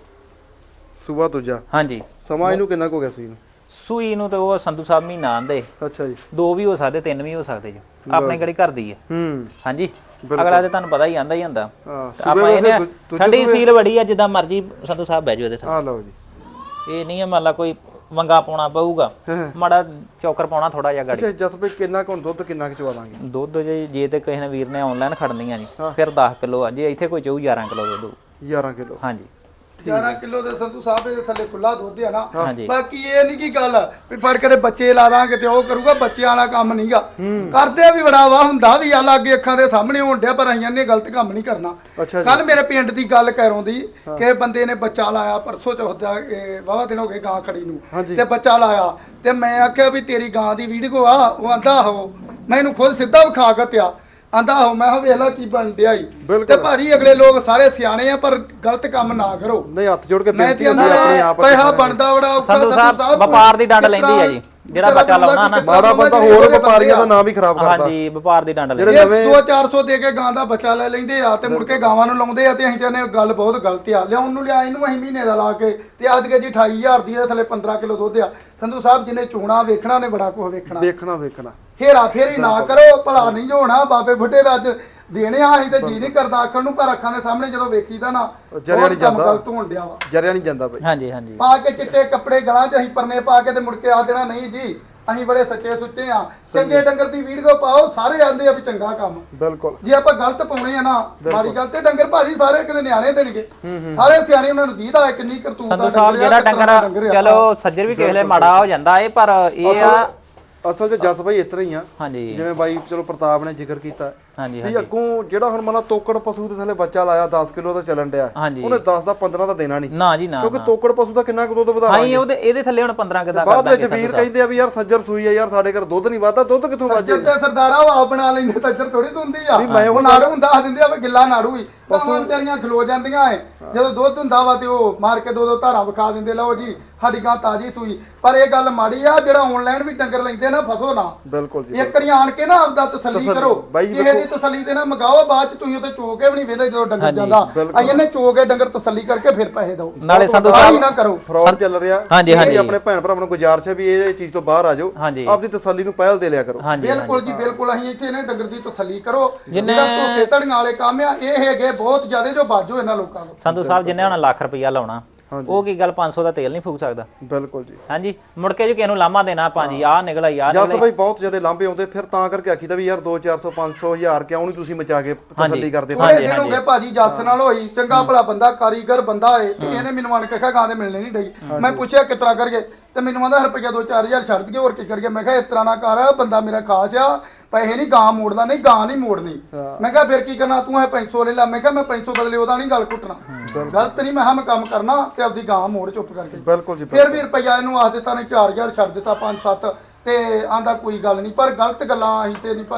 A: ਸੂਬਾ ਦੂਜਾ
B: ਹਾਂਜੀ
A: ਸਮਾਂ ਇਹਨੂੰ ਕਿੰਨਾ ਕੁ ਹੋ ਗਿਆ ਸੀ ਇਹਨੂੰ
B: ਸੂਈ ਨੂੰ ਤੇ ਉਹ ਸੰਧੂ ਸਾਹਿਬ ਮਹੀਨਾ ਆਂਦੇ
A: ਅੱਛਾ ਜੀ
B: 2 ਵੀ ਹੋ ਸਕਦੇ 3 ਵੀ ਹੋ ਸਕਦੇ ਜੀ ਆਪਣੇ ਕਿਹੜੀ ਘਰ ਦੀ ਹੈ ਹਾਂਜੀ ਅਗਲਾ ਤੇ ਤੁਹਾਨੂੰ ਪਤਾ ਹੀ ਆਂਦਾ ਹੀ ਹੁੰਦਾ
A: ਹਾਂ
B: ਆਪਾਂ ਇਹਨੇ ਠੰਡੀ ਸੀਲ ਬੜੀ ਆ ਜਿੱਦਾਂ ਮਰਜੀ ਸੰਧੂ ਸਾਹਿਬ ਬਹਿ ਜਾਓ ਇਹਦੇ
A: ਆ ਲਓ ਜੀ
B: ਇਹ ਨਹੀਂ ਹੈ ਮੰਨ ਲਾ ਕੋਈ ਵੰਗਾ ਪਾਉਣਾ ਪਊਗਾ ਮਾੜਾ ਚੌਕਰ ਪਾਉਣਾ ਥੋੜਾ ਜਿਹਾ ਗਾੜੀ
A: ਅੱਛਾ ਜਸ ਭਾਈ ਕਿੰਨਾ ਕੁ ਹੁਣ ਦੁੱਧ ਕਿੰਨਾ ਕੁ ਚਵਾ ਦਾਂਗੇ
B: ਦੁੱਧ ਜੇ ਤੇ ਕਿਸੇ ਨੇ ਵੀਰ ਨੇ ਆਨਲਾਈਨ ਖੜਨੀਆਂ ਜੀ ਫਿਰ 10 ਕਿਲੋ ਆ ਜੇ ਇੱਥੇ ਕੋਈ ਚਾਹੂ 11 ਕਿਲੋ ਦੁੱਧ
A: 11 ਕਿਲੋ
B: ਹਾਂਜੀ
C: 11 ਕਿਲੋ ਦੇ ਸੰਧੂ ਸਾਹਿਬ ਦੇ ਥੱਲੇ ਖੁੱਲਾ ਦੁੱਧ ਆ ਨਾ
B: ਹਾਂਜੀ
C: ਬਾਕੀ ਇਹ ਨਹੀਂ ਕੀ ਗੱਲ ਵੀ ਫੜ ਕੇ ਬੱਚੇ ਲਾ ਦਾਂਗੇ ਤੇ ਉਹ ਕਰੂਗਾ ਬੱਚਿਆਂ ਵਾਲਾ ਕੰਮ ਨਹੀਂਗਾ ਕਰਦੇ ਵੀ ਬੜਾ ਵਾ ਹੁੰਦਾ ਵੀ ਆ ਲਾਗੇ ਅੱਖਾਂ ਦੇ ਸਾਹਮਣੇ ਹੋਣ ਡਿਆ ਪਰ ਆਈਆਂ ਨੇ ਗਲਤ ਕੰਮ ਨਹੀਂ ਕਰਨਾ
A: ਅੱਛਾ
C: ਕੱਲ ਮੇਰੇ ਪਿੰਡ ਦੀ ਗੱਲ ਕਰੋਂ ਦੀ ਕਿ ਬੰਦੇ ਨੇ ਬੱਚਾ ਲਾਇਆ ਪਰਸੋਂ ਚੌਥਾ ਵਾਵਾ ਦਿਨ ਹੋ ਗਏ ਗਾਂ ਖੜੀ ਨੂੰ ਤੇ ਬੱਚਾ ਲਾਇਆ ਤੇ ਮੈਂ ਆਖਿਆ ਵੀ ਤੇਰੀ ਗਾਂ ਦੀ ਵੀਡੀਓ ਆ ਉਹ ਆਂਦਾ ਹੋ ਮੈਂ ਇਹਨੂੰ ਖੁਦ ਸਿੱਧਾ ਵਿਖਾ ਕੇ ਆਂਦਾ ਹੋ ਮੈਂ ਕਿਹਾ ਵੇਖ ਲਾ ਕੀ ਬਣ ਡਿਆ ਈ ਤੇ ਭਾਜੀ ਅਗਲੇ ਲੋਕ ਸਾਰੇ ਸਿਆਣੇ ਆ ਪਰ ਗਲਤ ਕੰਮ ਨਾ ਕਰੋ
A: ਨਹੀਂ ਹੱਥ ਜੋੜ ਕੇ
C: ਮੈਂ
A: ਬੇਨਤੀ
C: ਤੇ
A: ਹੁੰਦੀ ਆ ਆਪਣੇ ਆਪ
C: ਪੈਸਾ ਬਣਦਾ ਬੜਾ ਔਖਾ
B: ਸੰਧੂ ਸਾਹਿਬ ਵਪਾਰ ਦੀ ਡੰਡ ਲੈਂਦੀ ਆ ਜੀ ਜਿਹੜਾ ਬੱਚਾ ਲਾਉਣਾ ਨਾ
A: ਮਾੜਾ ਬੰਦਾ ਹੋਰ ਵਪਾਰੀਆਂ ਦਾ ਨਾਮ ਵੀ ਖਰਾਬ ਕਰਦਾ
B: ਹਾਂਜੀ ਵਪਾਰ ਦੀ ਡੰਡ
A: ਜਿਹੜੇ
B: ਲੈਂਦੀ
A: ਨਵੇਂ
C: 2-400 ਦੇ ਕੇ ਗਾਂ ਦਾ ਬੱਚਾ ਲੈ ਲੈਂਦੇ ਆ ਤੇ ਮੁੜ ਕੇ ਗਾਵਾਂ ਨੂੰ ਲਾਉਂਦੇ ਆ ਤੇ ਅਸੀਂ ਕਹਿੰਦੇ ਗੱਲ ਬਹੁਤ ਗਲਤ ਆ ਲਿਆਉਣ ਨੂੰ ਲਿਆ ਇਹਨੂੰ ਅਸੀਂ ਮਹੀਨੇ ਦਾ ਲਾ ਕੇ ਤੇ ਅੱਜ ਕੇ ਜੀ 28000 ਦੀ ਇਹਦੇ ਥੱਲੇ 15 ਕਿਲੋ ਦੁੱਧ ਆ ਸੰਧੂ ਸਾਹਿਬ ਜਿਹਨੇ ਚੋਣਾ ਵੇਖਣਾ ਉਹਨੇ ਬੜਾ ਕੁਝ ਵੇਖਣਾ
A: ਵੇਖਣਾ
C: ਹੇਰਾ ਫੇਰੀ ਨਾ ਕਰੋ ਭਲਾ ਨਹੀਂ ਹੋਣਾ ਬਾਬੇ ਬੁੱਢੇ ਦਾ ਅੱਜ ਦੇਣੇ ਆ ਅਸੀਂ ਤੇ ਜੀ ਨਹੀਂ ਕਰਦਾ ਆਖਣ ਨੂੰ ਪਰ ਅੱਖਾਂ ਦੇ ਸਾਹਮਣੇ ਜਦੋਂ ਵੇਖੀਦਾ ਨਾ
A: ਜਰਿਆ ਨਹੀਂ ਜਾਂਦਾ
C: ਗਲਤ ਹੋਣ ਡਿਆ ਵਾ
A: ਜਰਿਆ ਨਹੀਂ ਜਾਂਦਾ ਬਾਈ
B: ਹਾਂਜੀ ਹਾਂਜੀ
C: ਪਾ ਕੇ ਚਿੱਟੇ ਕੱਪੜੇ ਗਲਾਂ 'ਚ ਅਸੀਂ ਪਰਨੇ ਪਾ ਕੇ ਤੇ ਮੁੜ ਕੇ ਆ ਦੇਣਾ ਨਹੀਂ ਜੀ ਅਸੀਂ ਬੜੇ ਸੱਚੇ ਸੁੱਚੇ ਆ ਚੰਗੇ ਡੰਗਰ ਦੀ ਵੀਡੀਓ ਪਾਓ ਸਾਰੇ ਆਂਦੇ ਆ ਵੀ ਚੰਗਾ ਕੰਮ
A: ਬਿਲਕੁਲ
C: ਜੇ ਆਪਾਂ ਗਲਤ ਪਾਉਣੇ ਆ ਨਾ ਮਾੜੀ ਗੱਲ ਤੇ ਡੰਗਰ ਭਾਜੀ ਸਾਰੇ ਕਿਤੇ ਨਿਆਣੇ ਦੇਣਗੇ ਸਾਰੇ ਸਿਆਣੇ ਉਹਨਾਂ ਨੂੰ ਦੀਦਾ ਕਿੰਨੀ ਕਰਤੂਤ
B: ਸੰਧੂ ਸਾਹਿਬ ਜਿਹੜਾ ਡੰਗਰ ਚਲੋ ਸੱਜਰ ਵੀ ਕਿਸੇ ਵੇਲੇ ਮਾੜਾ ਹੋ ਜਾਂਦਾ ਏ ਪਰ ਇਹ ਆ
A: ਅਸਲ 'ਚ ਜਸ ਭਾਈ ਇਸ ਤਰ੍ਹਾਂ ਹੀ ਆ
B: ਹਾਂਜੀ
A: ਜਿਵੇਂ ਬਾਈ ਚਲੋ ਪ੍ਰਤਾਪ ਨੇ ਜ਼ਿਕਰ ਕੀਤਾ
B: ਹਾਂਜੀ
A: ਵੀ ਅੱਗੋਂ ਜਿਹੜਾ ਹੁਣ ਮਨਾ ਤੋਕੜ ਪਸ਼ੂ ਦੇ ਥੱਲੇ ਬੱਚਾ ਲਾਇਆ 10 ਕਿਲੋ ਦਾ ਚੱਲਣ ਡਿਆ
B: ਹਾਂਜੀ
A: ਉਹਨੇ 10 ਦਾ 15 ਦਾ ਦੇਣਾ ਨਹੀਂ
B: ਨਾ ਜੀ ਨਾ
A: ਕਿਉਂਕਿ ਤੋਕੜ ਪਸ਼ੂ ਦਾ ਕਿੰਨਾ ਕੁ ਦੁੱਧ ਵਧਾ
B: ਹਾਂ ਇਹਦੇ ਥੱਲੇ ਹੁਣ 15 ਕਿਦਾ ਕਰ
A: ਬਾਅਦ ਵਿੱਚ ਵੀਰ ਕਹਿੰਦੇ ਆ ਵੀ ਯਾਰ ਸੱਜਰ ਸੂਈ ਆ ਯਾਰ ਸਾਡੇ ਘਰ ਦੁੱਧ ਨਹੀਂ ਵਾਧਾ ਦੁੱਧ ਕਿੱਥੋਂ ਵੱਜ
C: ਸੱਜਰ ਤੇ ਸਰਦਾਰਾ ਉਹ ਆਪ ਬਣਾ ਲੈਂਦੇ ਸੱਜਰ ਥੋੜੀ ਹੁੰਦੀ ਆ ਉਹ ਨਾੜੂ ਹੁੰਦਾ ਆ ਦਿੰਦੇ ਆ ਵੀ ਗਿੱਲਾ ਨਾੜੂ ਹੀ ਪਸ਼ੂ ਵਿਚਾਰੀਆਂ ਖਲੋ ਜਾਂਦੀਆਂ ਏ ਜਦੋਂ ਦੁੱਧ ਹੁੰਦਾ ਵਾ ਤੇ ਉਹ ਮਾਰ ਕੇ ਦੋ ਧਾਰਾਂ ਵਿਖਾ ਦਿੰਦੇ ਲਓ ਜੀ ਸਾਡੀ ਗਾਂ ਤਾਜੀ ਸੂਈ ਪਰ ਇਹ ਗੱਲ ਮਾੜੀ ਆ ਜਿਹੜਾ ਆਨਲਾਈਨ ਵੀ ਡੰਗਰ ਲੈਂਦੇ ਨਾ ਫਸੋ ਨਾ
A: ਬਿਲਕੁਲ ਜੀ
C: ਇੱਕ ਵਾਰੀ ਆਣ ਕੇ ਨਾ ਆਪਦਾ ਤਸੱਲੀ ਕਰੋ ਕਿਸੇ ਦੀ ਤਸੱਲੀ ਦੇ ਨਾਲ ਮਗਾਓ ਬਾਅਦ ਚ ਤੁਸੀਂ ਉੱਤੇ ਚੋ ਕੇ ਵੀ ਨਹੀਂ ਵੇਦੇ ਜਦੋਂ ਡੰਗਰ ਜਾਂਦਾ ਆਈ ਇਹਨੇ ਚੋ ਕੇ ਡੰਗਰ ਤਸੱਲੀ ਕਰਕੇ ਫਿਰ ਪੈਸੇ ਦਿਓ
B: ਨਾਲੇ ਸੰਧੂ ਸਾਹਿਬ
C: ਨਾ ਕਰੋ
A: ਫਰਾਡ ਚੱਲ ਰਿਹਾ
B: ਹਾਂਜੀ ਹਾਂਜੀ
A: ਆਪਣੇ ਭੈਣ ਭਰਾਵਾਂ ਨੂੰ ਗੁਜ਼ਾਰਿਸ਼ ਹੈ ਵੀ ਇਹ ਚੀਜ਼ ਤੋਂ ਬਾਹਰ ਆ ਜਾਓ ਆਪਦੀ ਤਸੱਲੀ ਨੂੰ ਪਹਿਲ ਦੇ ਲਿਆ ਕਰੋ
C: ਬਿਲਕੁਲ ਜੀ ਬਿਲਕੁਲ ਅਸੀਂ ਇੱਥੇ ਨੇ ਡੰਗਰ ਦੀ ਤਸੱਲੀ ਕਰੋ ਜਿਹੜਾ ਧੋਖੇ ਧੜੀਆਂ ਵਾਲੇ ਕੰਮ ਆ ਇਹ ਹੈਗੇ ਬਹੁਤ ਜ਼ਿਆਦਾ ਜੋ ਬਾਜੋ ਇਹਨਾਂ ਲੋਕਾਂ ਨੂੰ
B: ਸੰਧੂ ਸਾਹਿਬ ਜਿੰਨੇ ਹੁਣ ਲੱਖ ਰੁਪਇਆ ਲਾਉਣਾ ਉਹ ਕੀ ਗੱਲ 500 ਦਾ ਤੇਲ ਨਹੀਂ ਫੂਕ ਸਕਦਾ
A: ਬਿਲਕੁਲ ਜੀ
B: ਹਾਂਜੀ ਮੁੜ ਕੇ ਜੇ ਕਿਸੇ ਨੂੰ ਲਾਮਾ ਦੇਣਾ ਭਾਜੀ ਆਹ ਨਿਕਲਾ ਯਾਰ
A: ਜਸ ਭਾਈ ਬਹੁਤ ਜ਼ਿਆਦਾ ਲਾਂਭੇ ਆਉਂਦੇ ਫਿਰ ਤਾਂ ਕਰਕੇ ਆਖੀਦਾ ਵੀ ਯਾਰ 2 400 500 1000 ਕਿਉਂ ਨਹੀਂ ਤੁਸੀਂ ਮਚਾ ਕੇ ਤਸੱਲੀ ਕਰਦੇ
C: ਥੋੜੇ ਦਿਨ ਹੋ ਗਏ ਭਾਜੀ ਜੱਸ ਨਾਲ ਹੋਈ ਚੰਗਾ ਭਲਾ ਬੰਦਾ ਕਾਰੀਗਰ ਬੰਦਾ ਏ ਤੇ ਇਹਨੇ ਮੈਨੂੰ ਆਣ ਕੇ ਕਿਹਾ ਗਾਂ ਦੇ ਮਿਲਣੇ ਨਹੀਂ ਡਈ ਮੈਂ ਪੁੱਛਿਆ ਕਿਸ ਤਰ੍ਹਾਂ ਕਰਗੇ ਤੇ ਮੈਨੂੰ ਆਂਦਾ ਰੁਪਈਆ 2-4000 ਛੱਡ ਦਈਏ ਹੋਰ ਕੀ ਕਰੀਏ ਮੈਂ ਕਿਹਾ ਇਸ ਤਰ੍ਹਾਂ ਨਾ ਕਰ ਬੰਦਾ ਮੇਰਾ ਖਾਸ ਆ ਪੈਸੇ ਨਹੀਂ ਗਾਂ ਮੋੜਦਾ ਨਹੀਂ ਗਾਂ ਨਹੀਂ ਮੋੜਨੀ ਮੈਂ ਕਿਹਾ ਫਿਰ ਕੀ ਕਰਨਾ ਤੂੰ ਇਹ 500 ਲੈ ਲਾ ਮੈਂ ਕਿਹਾ ਮੈਂ 500 ਬਦਲੇ ਉਹਦਾ ਨਹੀਂ ਗੱਲ ਕੁੱਟਣਾ ਗਲਤ ਨਹੀਂ ਮੈਂ ਕਿਹਾ ਮੈਂ ਕੰਮ ਕਰਨਾ ਤੇ ਆਪਦੀ ਗਾਂ ਮੋੜ ਚੁੱਪ ਕਰਕੇ
A: ਬਿਲਕੁਲ ਜੀ
C: ਫਿਰ ਵੀ ਰੁਪਈਆ ਇਹਨੂੰ ਆਖ ਦਿੱਤਾ ਨੇ 4000 ਛੱਡ ਦਿੱਤਾ 5-7 ਤੇ ਆਂਦਾ ਕੋਈ ਗੱਲ ਨਹੀਂ ਪਰ ਗਲਤ ਗੱਲਾਂ ਅਸੀਂ ਤੇ ਨਹੀਂ ਭਾਜੀ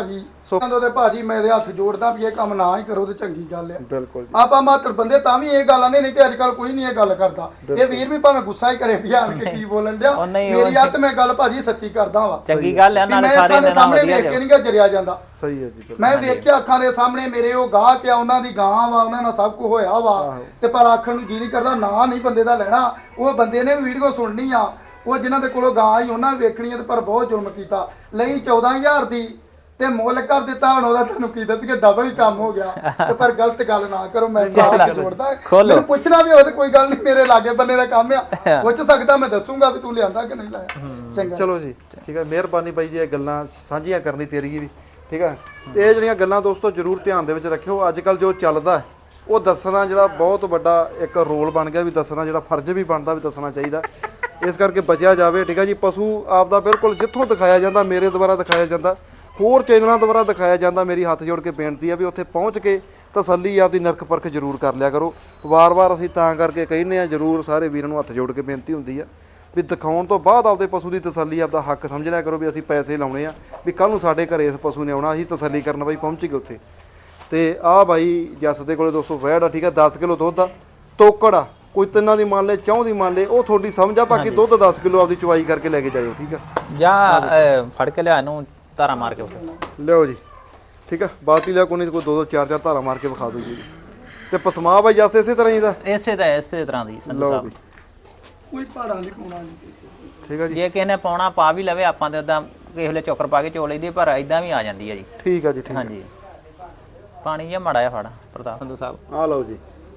A: ਸੋ
C: ਉਹਦੇ ਭਾਜੀ ਮੈਂ ਇਹਦੇ ਹੱਥ ਜੋੜਦਾ ਵੀ ਇਹ ਕੰਮ ਨਾ ਹੀ ਕਰੋ ਤੇ ਚੰਗੀ ਗੱਲ ਆ।
A: ਬਿਲਕੁਲ ਜੀ।
C: ਆਪਾਂ ਮਾਤਰ ਬੰਦੇ ਤਾਂ ਵੀ ਇਹ ਗੱਲ ਆਨੇ ਨਹੀਂ ਤੇ ਅੱਜ ਕੱਲ ਕੋਈ ਨਹੀਂ ਇਹ ਗੱਲ ਕਰਦਾ। ਇਹ ਵੀਰ ਵੀ ਭਾਵੇਂ ਗੁੱਸਾ ਹੀ ਕਰੇ ਵੀ ਆਣ ਕੇ ਕੀ ਬੋਲਣ ਡਿਆ, ਮੇਰੀ ਹੱਥ ਮੈਂ ਗੱਲ ਭਾਜੀ ਸੱਚੀ ਕਰਦਾ ਵਾ।
B: ਚੰਗੀ ਗੱਲ ਆ, ਨਾਲੇ ਸਾਰੇ ਦੇ ਨਾਲ ਵਧੀਆ
C: ਵੇਖ ਕੇ ਨਹੀਂ ਗਾ ਜਰਿਆ ਜਾਂਦਾ।
A: ਸਹੀ ਹੈ ਜੀ।
C: ਮੈਂ ਵੇਖਿਆ ਅੱਖਾਂ ਦੇ ਸਾਹਮਣੇ ਮੇਰੇ ਉਹ ਗਾਹਕ ਆ, ਉਹਨਾਂ ਦੀ ਗਾਂ ਵਾ, ਉਹਨਾਂ ਨਾਲ ਸਭ ਕੁਝ ਹੋਇਆ ਵਾ ਤੇ ਪਰ ਆਖਣ ਨੂੰ ਜੀ ਨਹੀਂ ਕਰਦਾ, ਨਾ ਨਹੀਂ ਬੰਦੇ ਦਾ ਲੈਣਾ। ਉਹ ਬੰਦੇ ਨੇ ਵੀਡੀਓ ਸੁਣਨੀ ਆ, ਉਹ ਜਿਨ੍ਹਾਂ ਦੇ ਕੋਲੋਂ ਗਾਂ ਹੀ ਉਹਨਾਂ ਵੇਖਣੀ ਆ ਤੇ ਪਰ ਬਹੁਤ ਜ਼ੁਲਮ ਕੀਤਾ। ਲਈ 14,000 ਦੀ ਤੇ ਮੁੱਲ ਕਰ ਦਿੱਤਾ, ਹੁਣ ਉਹਦਾ ਤੁਹਾਨੂੰ ਕੀ ਦੱਸੀਏ ਡਬਲ ਹੀ ਕੰਮ ਹੋ ਗਿਆ। ਤੇ ਪਰ ਗਲਤ ਗੱਲ ਨਾ ਕਰੋ, ਮੈਂ ਸਾਥ ਜੋੜਦਾ। ਮੈਨੂੰ ਪੁੱਛਣਾ ਵੀ ਹੋਵੇ ਤੇ ਕੋਈ ਗੱਲ ਨਹੀਂ, ਮੇਰੇ ਲਾਗੇ ਬੰਨੇ ਦਾ ਕੰਮ ਆ, ਪੁੱਛ ਸਕਦਾ, ਮੈਂ ਦੱਸੂਗਾ ਵੀ ਤੂੰ ਲਿਆਂਦਾ ਕਿ ਨਹੀਂ ਲਾਇਆ। ਚੰਗਾ
A: ਚਲੋ ਜੀ ਠੀਕ ਹੈ, ਮਿਹਰਬਾਨੀ ਬਾਈ ਜੀ ਇਹ ਗੱਲਾਂ ਸਾਂਝੀਆਂ ਕਰਨੀ ਤੇਰੀ ਵੀ ਠੀਕ ਹੈ। ਤੇ ਇਹ ਜਿਹੜੀਆਂ ਗੱਲਾਂ ਦੋਸਤੋ ਜ਼ਰੂਰ ਧਿਆਨ ਦੇ ਵਿੱਚ ਰੱਖਿਓ। ਅੱਜ ਕੱਲ ਜੋ ਚੱਲਦਾ ਉਹ ਦੱਸਣਾ ਜਿਹੜਾ ਬਹੁਤ ਵੱਡਾ ਇੱਕ ਰੋਲ ਬਣ ਗਿਆ, ਵੀ ਦੱਸਣਾ ਜਿਹੜਾ ਫਰਜ਼ ਵੀ ਬਣਦਾ, ਵੀ ਦੱਸਣਾ ਚਾਹੀਦਾ। ਇਸ ਕਰਕੇ ਬਚਿਆ ਜਾਵੇ ਠੀਕ ਹੈ ਜੀ। ਪਸ਼ੂ ਆਪਦਾ ਬਿਲਕੁਲ ਜਿੱਥੋਂ ਦਿਖਾਇਆ ਜਾਂਦਾ, ਮੇਰੇ ਦੁਆਰਾ ਦਿਖਾਇਆ ਜਾਂਦਾ, ਹੋਰ ਚੈਨਲਾਂ ਦੁਆਰਾ ਦਿਖਾਇਆ ਜਾਂਦਾ, ਮੇਰੀ ਹੱਥ ਜੋੜ ਕੇ ਬੇਨਤੀ ਆ ਵੀ ਉੱਥੇ ਪਹੁੰਚ ਕੇ ਤਸੱਲੀ ਆਪਦੀ ਨਰਕ ਪਰਖ ਜ਼ਰੂਰ ਕਰ ਲਿਆ ਕਰੋ। ਵਾਰ-ਵਾਰ ਅਸੀਂ ਤਾਂ ਕਰਕੇ ਕਹਿੰਦੇ ਆ, ਜ਼ਰੂਰ ਸਾਰੇ ਵੀਰਾਂ ਨੂੰ ਹੱਥ ਜੋੜ ਕੇ ਬੇਨਤੀ ਹੁੰਦੀ ਆ ਵੀ ਦਿਖਾਉਣ ਤੋਂ ਬਾਅਦ ਆਪਦੇ ਪਸ਼ੂ ਦੀ ਤਸੱਲੀ ਆਪਦਾ ਹੱਕ ਸਮਝ ਲਿਆ ਕਰੋ, ਵੀ ਅਸੀਂ ਪੈਸੇ ਲਾਉਣੇ ਆ, ਵੀ ਕੱਲ ਨੂੰ ਸਾਡੇ ਘਰੇ ਇਸ ਪਸ਼ੂ ਨੇ ਆਉਣਾ, ਅਸੀਂ ਤਸੱਲੀ ਕਰਨ ਬਾਈ ਪਹੁੰਚ ਗਏ ਉੱਥੇ। ਤੇ ਆਹ ਬਾਈ ਜੱਸ ਦੇ ਕੋਲੇ ਦੋਸਤੋ ਵੈੜ ਆ ਠੀਕ ਆ, 10 ਕਿਲੋ ਦੁੱਧ ਆ, ਤੋਕੜ ਆ, ਕੋਈ ਤਿੰਨਾਂ ਦੀ ਮੰਨ ਲੈ, ਚੌਂ ਦੀ ਮੰਨ ਲੈ, ਉਹ ਤੁਹਾਡੀ ਸਮਝ ਆ। ਬਾਕੀ ਦੁੱਧ 10 ਕਿਲੋ ਆਪਦੀ ਚੁਆਈ ਕਰਕੇ ਲੈ ਕੇ ਜਾਇਓ ਠੀਕ ਆ।
B: ਜਾਂ ਫੜ ਕੇ ਲਿਆ ਇਹਨੂੰ ਧਾਰਾ ਮਾਰ ਕੇ
A: ਲਿਓ ਜੀ ਠੀਕ ਆ। ਬਾਲਟੀ ਲਿਆ ਕੋਈ ਨਹੀਂ, ਕੋਈ 2-2 4-4 ਧਾਰਾ ਮਾਰ ਕੇ ਵਿਖਾ ਦਿਓ ਜੀ। ਤੇ ਪਸਮਾ ਬਾਈ ਜੱਸ ਇਸੇ ਤਰ੍ਹਾਂ ਹੀ ਦਾ
B: ਇਸੇ ਤਰ੍ਹਾਂ ਦੀ ਸੰਧੂ
A: ਲਓ
B: ਸਾਹਿਬ।
A: ਵੀ
C: ਕੋਈ ਪਹਾੜਾਂ ਦੀ ਕੋਣਾ ਨਹੀਂ
A: ਠੀਕ ਆ ਜੀ।
B: ਜੇ ਕਿਸੇ ਨੇ ਪਾਉਣਾ ਪਾ ਵੀ ਲਵੇ, ਆਪਾਂ ਤੇ ਉਦਾਂ ਕਿਸੇ ਵੇਲੇ ਚੋਕਰ ਪਾ ਕੇ ਚੋ ਲਈਦੀ, ਪਰ ਇਦਾਂ ਵੀ ਆ ਜਾਂਦੀ ਹੈ ਜੀ।
A: ਠੀਕ ਆ ਜੀ ਠੀਕ।
B: ਹਾਂਜੀ ਪਾਣੀ ਜਿਹਾ ਮਾੜਾ ਜਿਹਾ ਫੜ ਪ੍ਰਤਾਪ ਸੰਧੂ ਸਾਹਿਬ।
A: ਆ ਲਓ ਜੀ,